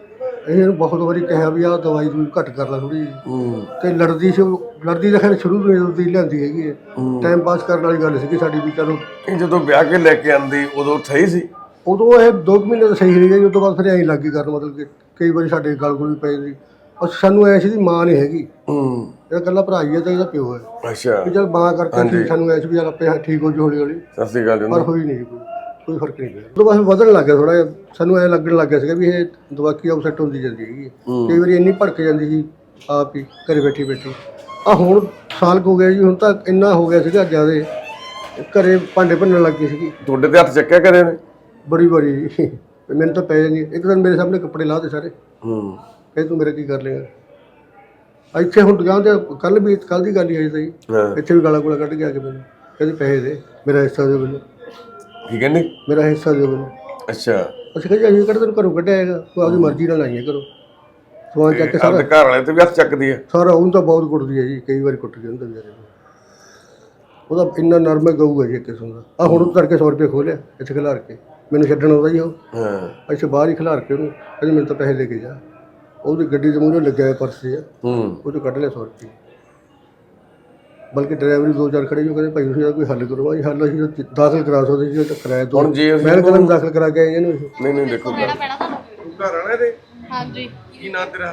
S7: ਇਹ ਇਹਨੂੰ ਬਹੁਤ ਵਾਰੀ ਕਿਹਾ ਵੀ ਆਹ ਦਵਾਈ ਦੂਈ ਘੱਟ ਕਰ ਲੈ ਥੋੜੀ ਜਿਹੀ, ਤੇ ਲੜਦੀ ਸੀ ਉਹ, ਲੜਦੀ ਤਾਂ ਖੈਰ ਸ਼ੁਰੂ ਤੋਂ ਹੀ ਦੀ ਲਿਆਂਦੀ ਹੈਗੀ ਹੈ, ਟਾਈਮ ਪਾਸ ਕਰਨ ਵਾਲੀ ਗੱਲ ਸੀਗੀ ਸਾਡੀ ਵੀ ਚਲੋ।
S3: ਇਹ ਜਦੋਂ ਵਿਆਹ ਕੇ ਲੈ ਕੇ ਆਂਦੀ ਉਦੋਂ ਸਹੀ ਸੀ?
S7: ਉਦੋਂ ਇਹ ਦੋ ਕੁ ਮਹੀਨੇ ਤਾਂ ਸਹੀ ਰਹੀ ਗਈ, ਉਸ ਤੋਂ ਬਾਅਦ ਫਿਰ ਐਂ ਲੱਗ ਗਈ ਕਰਨ, ਮਤਲਬ ਕਿ ਕਈ ਵਾਰੀ ਸਾਡੇ ਗਲ ਗੁਲ ਵੀ ਪੈ ਜਾਂਦੀ। ਬਸ ਸਾਨੂੰ ਐ ਸੀ ਦੀ ਮਾਂ ਨਹੀਂ ਹੈਗੀ,
S3: ਹੂੰ।
S7: ਇਹ ਇਕੱਲਾ ਭਰਾ ਹੀ ਹੈ ਤੇ ਇਹਦਾ ਪਿਓ ਹੈ।
S3: ਅੱਛਾ।
S7: ਵੀ ਚਲ ਮਾਂ ਕਰਕੇ ਠੀਕ, ਸਾਨੂੰ ਐ ਸੀ ਵੀ ਚੱਲ ਆਪੇ ਠੀਕ ਹੋ ਜੂ ਹੌਲੀ ਹੌਲੀ,
S3: ਸਤਿ ਸ਼੍ਰੀ ਅਕਾਲ ਜੀ।
S7: ਪਰ ਹੋਈ ਨਹੀਂ ਕੋਈ ਕੋਈ ਫਰਕ ਨਹੀਂ ਪਿਆ। ਉਦੋਂ ਬਸ ਵਧਣ ਲੱਗ ਗਿਆ ਥੋੜਾ ਜਿਹਾ, ਸਾਨੂੰ ਐ ਲੱਗਣ ਲੱਗ ਗਿਆ ਸੀਗਾ ਵੀ ਇਹ ਦਵਾਕੀ ਅਪਸੈਟ ਹੁੰਦੀ ਜਾਂਦੀ ਹੈਗੀ, ਕਈ ਵਾਰੀ ਇੰਨੀ ਭੜਕ ਜਾਂਦੀ ਸੀ ਆਪ ਹੀ ਘਰੇ ਬੈਠੀ ਬੈਠੀ। ਆ ਹੁਣ ਸਾਲ ਕੁ ਹੋ ਗਿਆ ਜੀ, ਹੁਣ ਤਾਂ ਇੰਨਾ ਹੋ ਗਿਆ ਸੀਗਾ ਜ਼ਿਆਦੇ, ਘਰੇ ਭਾਂਡੇ ਭੰਨਣ ਲੱਗ ਗਈ ਸੀਗੀ।
S3: ਤੁਹਾਡੇ ਤੇ ਹੱਥ ਚੱਕਿਆ ਕਰੇ ਨੇ?
S7: ਬੜੀ ਵਾਰੀ ਜੀ, ਮੈਨੂੰ ਤਾਂ ਪੈ ਜਾਂਦੀ। ਇੱਕ ਦਿਨ ਮੇਰੇ ਸਾਹਮਣੇ ਕੱਪੜੇ ਲਾਹ ਦੇ ਸਾਰੇ,
S3: ਹੂੰ।
S7: ਇਹ ਤੂੰ ਮੇਰਾ ਕੀ ਕਰ ਲੇਗਾ। ਇੱਥੇ ਹੁਣ ਦੁਕਾਨ ਤੇ ਕੱਲ ਵੀ ਕੱਲ ਦੀ ਗੱਲ ਹੀ ਆਈ ਸਹੀ, ਇੱਥੇ ਵੀ ਗਾਲਾਂ ਗੋਲਾ ਕੱਢ ਕੇ ਆ ਕੇ ਮੈਨੂੰ ਕਹਿੰਦੇ ਪੈਸੇ ਦੇ, ਮੇਰਾ ਹਿੱਸਾ ਦਿਓ ਮੈਨੂੰ।
S3: ਕੀ ਕਹਿੰਦੇ?
S7: ਮੇਰਾ ਹਿੱਸਾ ਦਿਓ ਮੈਨੂੰ।
S3: ਅੱਛਾ।
S7: ਅਸੀਂ ਕਹਿੰਦੇ ਅਸੀਂ ਕਿਹੜਾ ਤੈਨੂੰ ਘਰੋਂ ਕੱਢਿਆ ਹੈਗਾ, ਤੂੰ ਆਪਦੀ ਮਰਜ਼ੀ ਨਾਲ ਆਈਏ ਕਰੋ। ਸਮਾਨ ਚੱਕ ਕੇ ਸਾਰਾ
S3: ਆਪਣੇ ਘਰ ਵਾਲੇ ਤੇ ਵੀ ਹੱਥ ਚੱਕਦੀ ਹੈ?
S7: ਸਾਰਾ ਉਹਨੂੰ ਤਾਂ ਬਹੁਤ ਕੁੱਟਦੀ ਹੈ ਜੀ, ਕਈ ਵਾਰੀ ਕੁੱਟ ਗਿਆ ਹੁੰਦਾ ਵਿਚਾਰੇ ਨੂੰ। ਉਹਦਾ ਇੰਨਾ ਨਰਮ ਹੈ ਗਊ ਹੈ ਜੀ ਇੱਕ ਕਿਸਮ ਦਾ। ਆ ਹੁਣ ਉਹ ਤੜਕੇ ਸੌ ਰੁਪਏ ਖੋਲਿਆ ਇੱਥੇ ਖਿਲਾਰ ਕੇ, ਮੈਨੂੰ ਛੱਡਣ ਆਉਂਦਾ ਜੀ ਉਹ,
S3: ਹਾਂ।
S7: ਇੱਥੇ ਬਾਹਰ ਹੀ ਖਿਲਾਰ ਕੇ ਉਹਨੂੰ ਕਹਿੰਦੇ ਮੈਨੂੰ ਤਾਂ ਪੈਸੇ ਲੈ ਕੇ ਜਾ। ਉਹਦੀ ਗੱਡੀ ਦੇ ਮੂਹਰੇ ਲੱਗਿਆ ਹੋਇਆ ਪਰਸ ਜਿਹਾ, ਉਹ ਚੋਂ ਕੱਢ ਲਿਆ ਸੌ ਰੁਪਏ। ਬਲਕਿ ਡਰਾਈਵਰ ਦੋ ਚਾਰ ਖੜੇ ਜੋ ਕਹਿੰਦੇ ਭਾਈ ਤੁਸੀਂ ਕੋਈ ਹੱਲ ਕਰੋ। ਭਾਈ ਹੱਲ ਅਸੀਂ ਤਾਂ ਦਾਖਲ ਕਰਾ ਸਕਦੇ ਸੀ, ਤਾਂ ਕਿਰਾਇਆ ਦੋ ਮੈਂ ਕਦਮ ਦਾਖਲ ਕਰਾ ਕੇ ਆਏ ਇਹਨੂੰ।
S3: ਨਹੀਂ ਨਹੀਂ ਦੇਖੋ
S2: ਪੈਣਾ ਤੁਹਾਨੂੰ।
S3: ਤੂੰ ਘਰ ਆਣਾ ਇਹਦੇ?
S2: ਹਾਂਜੀ।
S3: ਕੀ ਨਾਂ ਤੇਰਾ?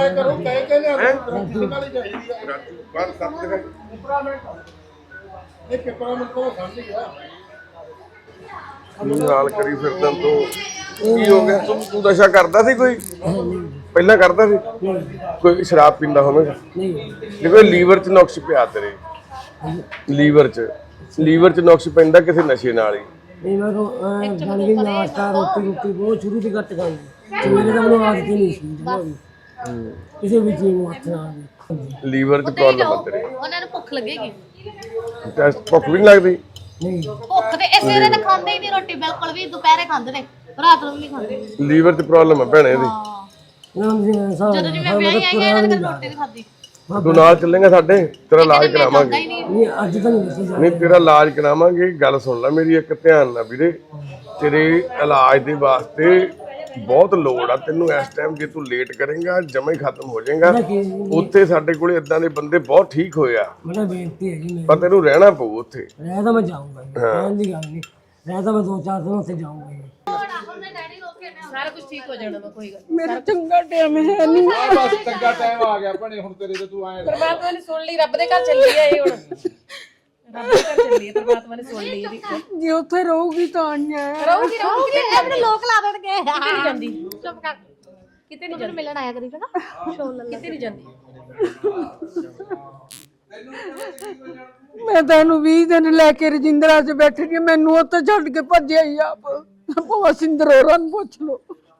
S3: ਨਾਲ ਕਰੀ ਫਿਰਦਾ ਤੂੰ, ਕੀ ਹੋ ਗਿਆ? ਤੂੰ ਤੂੰ ਨਸ਼ਾ ਕਰਦਾ ਸੀ ਕੋਈ ਪਹਿਲਾਂ? ਕਰਦਾ ਸੀ ਕੋਈ? ਸ਼ਰਾਬ ਪੀਂਦਾ ਹੋਵੇਗਾ? ਨਹੀਂ। ਕੋਈ ਲੀਵਰ 'ਚ ਨੁਕਸ ਪਿਆ ਤੇਰੇ? ਲੀਵਰ 'ਚ ਲੀਵਰ 'ਚ ਨੁਕਸ ਪੈਂਦਾ ਕਿਸੇ ਨਸ਼ੇ ਨਾਲ ਹੀ।
S9: ਨਹੀਂ ਮੈਂ ਤਾਂ ਜਾਣ ਕੇ ਨਾਸ਼ਤਾ ਰੋਟੀ ਰੋਟੀ ਬਹੁਤ ਸ਼ੁਰੂ ਤੋਂ ਘੱਟ ਖਾਈ, ਮੇਰੇ ਤਾਂ ਮੈਨੂੰ ਆਦਤ ਹੀ ਨਹੀਂ ਸੀ ਜਮਾਂ ਵੀ ਕਿਸੇ ਵੀ ਚੀਜ਼ ਨੂੰ ਹੱਥ ਨਾਲ।
S3: ਲੀਵਰ 'ਚ ਪ੍ਰੋਬਲਮ ਆ ਤੇਰੇ?
S2: ਉਹਨਾਂ ਨੂੰ ਭੁੱਖ ਲੱਗੇਗੀ।
S3: ਟੈਸਟ ਭੁੱਖ ਵੀ ਨਹੀਂ ਲੱਗਦੀ?
S2: ਭੁੱਖ ਤੇ ਇਸੇ ਵੇਲੇ ਤਾਂ ਖਾਂਦੇ ਹੀ ਨਹੀਂ ਰੋਟੀ, ਬਿਲਕੁਲ ਵੀ। ਦੁਪਹਿਰੇ ਖਾਂਦੇ ਨੇ, ਰਾਤ ਨੂੰ ਵੀ ਨਹੀਂ ਖਾਂਦੇ।
S3: ਲੀਵਰ 'ਚ ਪ੍ਰੋਬਲਮ ਆ ਭੈਣੇ ਇਹਦੀ।
S2: ਜਦੋਂ ਜਿਵੇਂ ਵਿਆਹ ਹੀ ਆਈਆਂ ਇਹਨਾਂ ਨੇ ਕਦੇ ਰੋਟੀ ਨਹੀਂ ਖਾਧੀ।
S3: ਤੂੰ ਨਾਲ ਚੱਲੇਗਾ ਸਾਡੇ, ਤੇਰਾ ਇਲਾਜ ਕਰਾਵਾਂਗੇ।
S9: ਨਹੀਂ ਅੱਜ ਤਾਂ ਨਹੀਂ ਦੱਸਿਆ।
S3: ਨਹੀਂ ਤੇਰਾ ਇਲਾਜ ਕਰਾਵਾਂਗੇ। ਗੱਲ ਸੁਣ ਲੈ ਮੇਰੀ ਇੱਕ ਧਿਆਨ ਨਾਲ ਵੀਰੇ, ਤੇਰੇ ਇਲਾਜ ਦੇ ਵਾਸਤੇ ਬਹੁਤ ਲੋੜ ਆ ਤੈਨੂੰ ਇਸ ਟਾਈਮ। ਜੇ ਤੂੰ ਲੇਟ ਕਰੇਂਗਾ ਜਮਾ ਹੀ ਖਤਮ ਹੋ ਜਾਏਗਾ। ਉੱਥੇ ਸਾਡੇ ਕੋਲੇ ਇਦਾਂ ਦੇ ਬੰਦੇ ਬਹੁਤ ਠੀਕ ਹੋਏ ਆ,
S9: ਮੇਰਾ ਬੇਨਤੀ ਹੈ ਜੀ,
S3: ਪਰ ਤੈਨੂੰ ਰਹਿਣਾ ਪਊ ਉੱਥੇ।
S9: ਰਹਿ ਤਾਂ ਮੈਂ ਜਾਊਂਗਾ, ਰਹਿਣ ਦੀ ਗੱਲ ਨਹੀਂ, ਰਹਿ ਤਾਂ ਮੈਂ ਦੋ ਚਾਰ ਦਿਨ ਉੱਥੇ ਜਾਊਂਗਾ।
S8: ਸਾਰਾ ਕੁਝ ਠੀਕ ਹੋ ਜਾਣਾ ਵਾ, ਕੋਈ ਗੱਲ
S9: ਮੇਰਾ ਚੰਗਾ ਟਾਈਮ ਹੈ ਨਹੀਂ।
S10: ਬਸ ਚੰਗਾ ਟਾਈਮ ਆ ਗਿਆ ਭਣੇ ਹੁਣ ਤੇਰੇ ਤੇ, ਤੂੰ ਆਏ
S8: ਪਰਮਾਤਮਾ ਨੇ ਸੁਣ ਲਈ, ਰੱਬ ਦੇ ਘਰ ਚੱਲੀ ਆ ਇਹ ਹੁਣ। ਰੱਬ ਦੇ ਘਰ ਚੱਲੀ ਆ, ਪਰਮਾਤਮਾ ਨੇ ਸੁਣ ਲਈ ਇਹਦੀ।
S9: ਜੇ ਉੱਥੇ ਰਹੂਗੀ ਤਾਂ ਆਈਆਂ
S8: ਰਹੂਗੀ ਰਹੂਗੀ
S2: ਆਪਣੇ ਲੋਕ ਲਾ ਦੇਣਗੇ।
S8: ਕਿਤੇ ਨਹੀਂ ਜਾਂਦੀ,
S2: ਚੁੱਪ ਕਰ।
S8: ਕਿਤੇ ਨਹੀਂ ਜਾਂਦੀ,
S2: ਮਿਲਣ ਆਇਆ ਕਰੀ ਚੰਗਾ, ਸ਼ੋਅ ਲੈ
S8: ਕਿਤੇ ਨਹੀਂ ਜਾਂਦੀ।
S9: ਮੈਂ ਤੈਨੂੰ ਵੀਹ ਦਿਨ ਲੈ ਕੇ ਰਜਿੰਦਰਾ 'ਚ ਬੈਠੀ ਰਹੀ, ਮੈਨੂੰ ਉੱਥੇ ਛੱਡ ਕੇ ਭੱਜਿਆ ਹੀ ਆਪ। ਭਾਵੇਂ ਸਿੰਦਰ ਹੋਰਾਂ ਨੂੰ ਪੁੱਛ ਲਓ।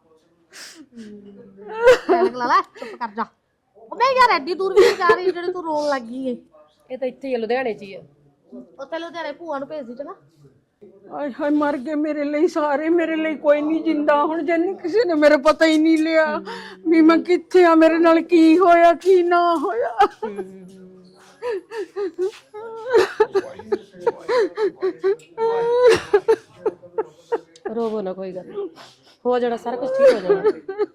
S2: ਲਾ ਲੈ, ਚੁੱਪ ਕਰ ਜਾ। ਉਹ ਮੈਂ ਯਾਰ ਐਡੀ ਦੂਰ ਵੀ ਜਾ ਰਹੀ ਜਿਹੜੀ ਤੂੰ ਰੋਣ ਲੱਗੀ ਏ।
S8: ਇਹ ਤਾਂ ਇੱਥੇ ਹੀ ਆ, ਲੁਧਿਆਣੇ 'ਚ ਹੀ ਆ।
S2: ਉੱਥੇ ਲੁਧਿਆਣੇ ਭੂਆ ਨੂੰ ਭੇਜ ਦੀ ਚੰਗਾ।
S11: ਆਏ ਹਾਏ ਮਰ ਗਏ ਮੇਰੇ ਲਈ ਸਾਰੇ, ਮੇਰੇ ਲਈ ਕੋਈ ਨਹੀਂ ਜਿੰਦਾ ਹੁਣ। ਜਨ ਕਿਸੇ ਨੇ ਮੇਰਾ ਪਤਾ ਹੀ ਨਹੀਂ ਲਿਆ ਵੀ ਮੈਂ ਕਿੱਥੇ ਆ, ਮੇਰੇ ਨਾਲ ਕੀ ਹੋਇਆ ਕੀ ਨਾ ਹੋਇਆ।
S8: ਰੋਵੋ ਨਾ, ਕੋਈ ਗੱਲ ਨੀ। ਹੋ ਜਾਣਾ ਸਾਰਾ ਕੁਝ ਠੀਕ ਹੋ ਜਾਣਾ।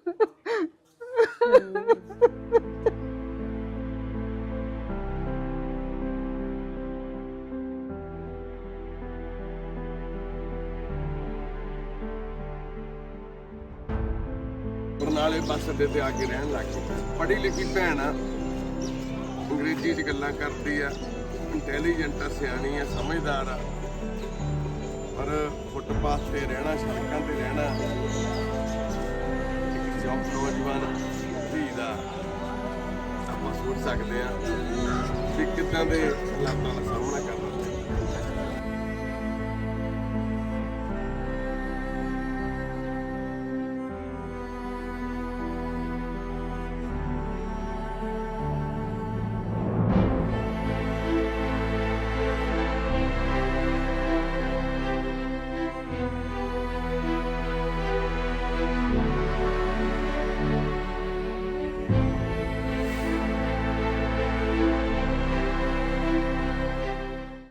S3: ਬਰਨਾਲੇ ਬੱਸ ਅੱਡੇ ਤੇ ਆ ਕੇ ਰਹਿਣ ਲੱਗ ਗਈ। ਪੜ੍ਹੀ ਲਿਖੀ ਭੈਣ ਆ, ਅੰਗਰੇਜ਼ੀ 'ਚ ਗੱਲਾਂ ਕਰਦੀ ਆ, ਇੰਟੈਲੀਜੈਂਟ ਆ, ਸਿਆਣੀ ਆ, ਸਮਝਦਾਰ ਆ, ਪਰ ਫੁੱਟਪਾਥ ਤੇ ਰਹਿਣਾ, ਸੜਕਾਂ ਤੇ ਰਹਿਣਾ, ਇੱਕ ਜੌਬ ਨੌਜਵਾਨ ਧੀ ਦਾ ਆਪਾਂ ਸੋਚ ਸਕਦੇ ਆ ਵੀ ਕਿੱਦਾਂ ਦੇ ਹਾਲਾਤਾਂ ਦਾ ਸਾਹਮਣਾ ਕਰ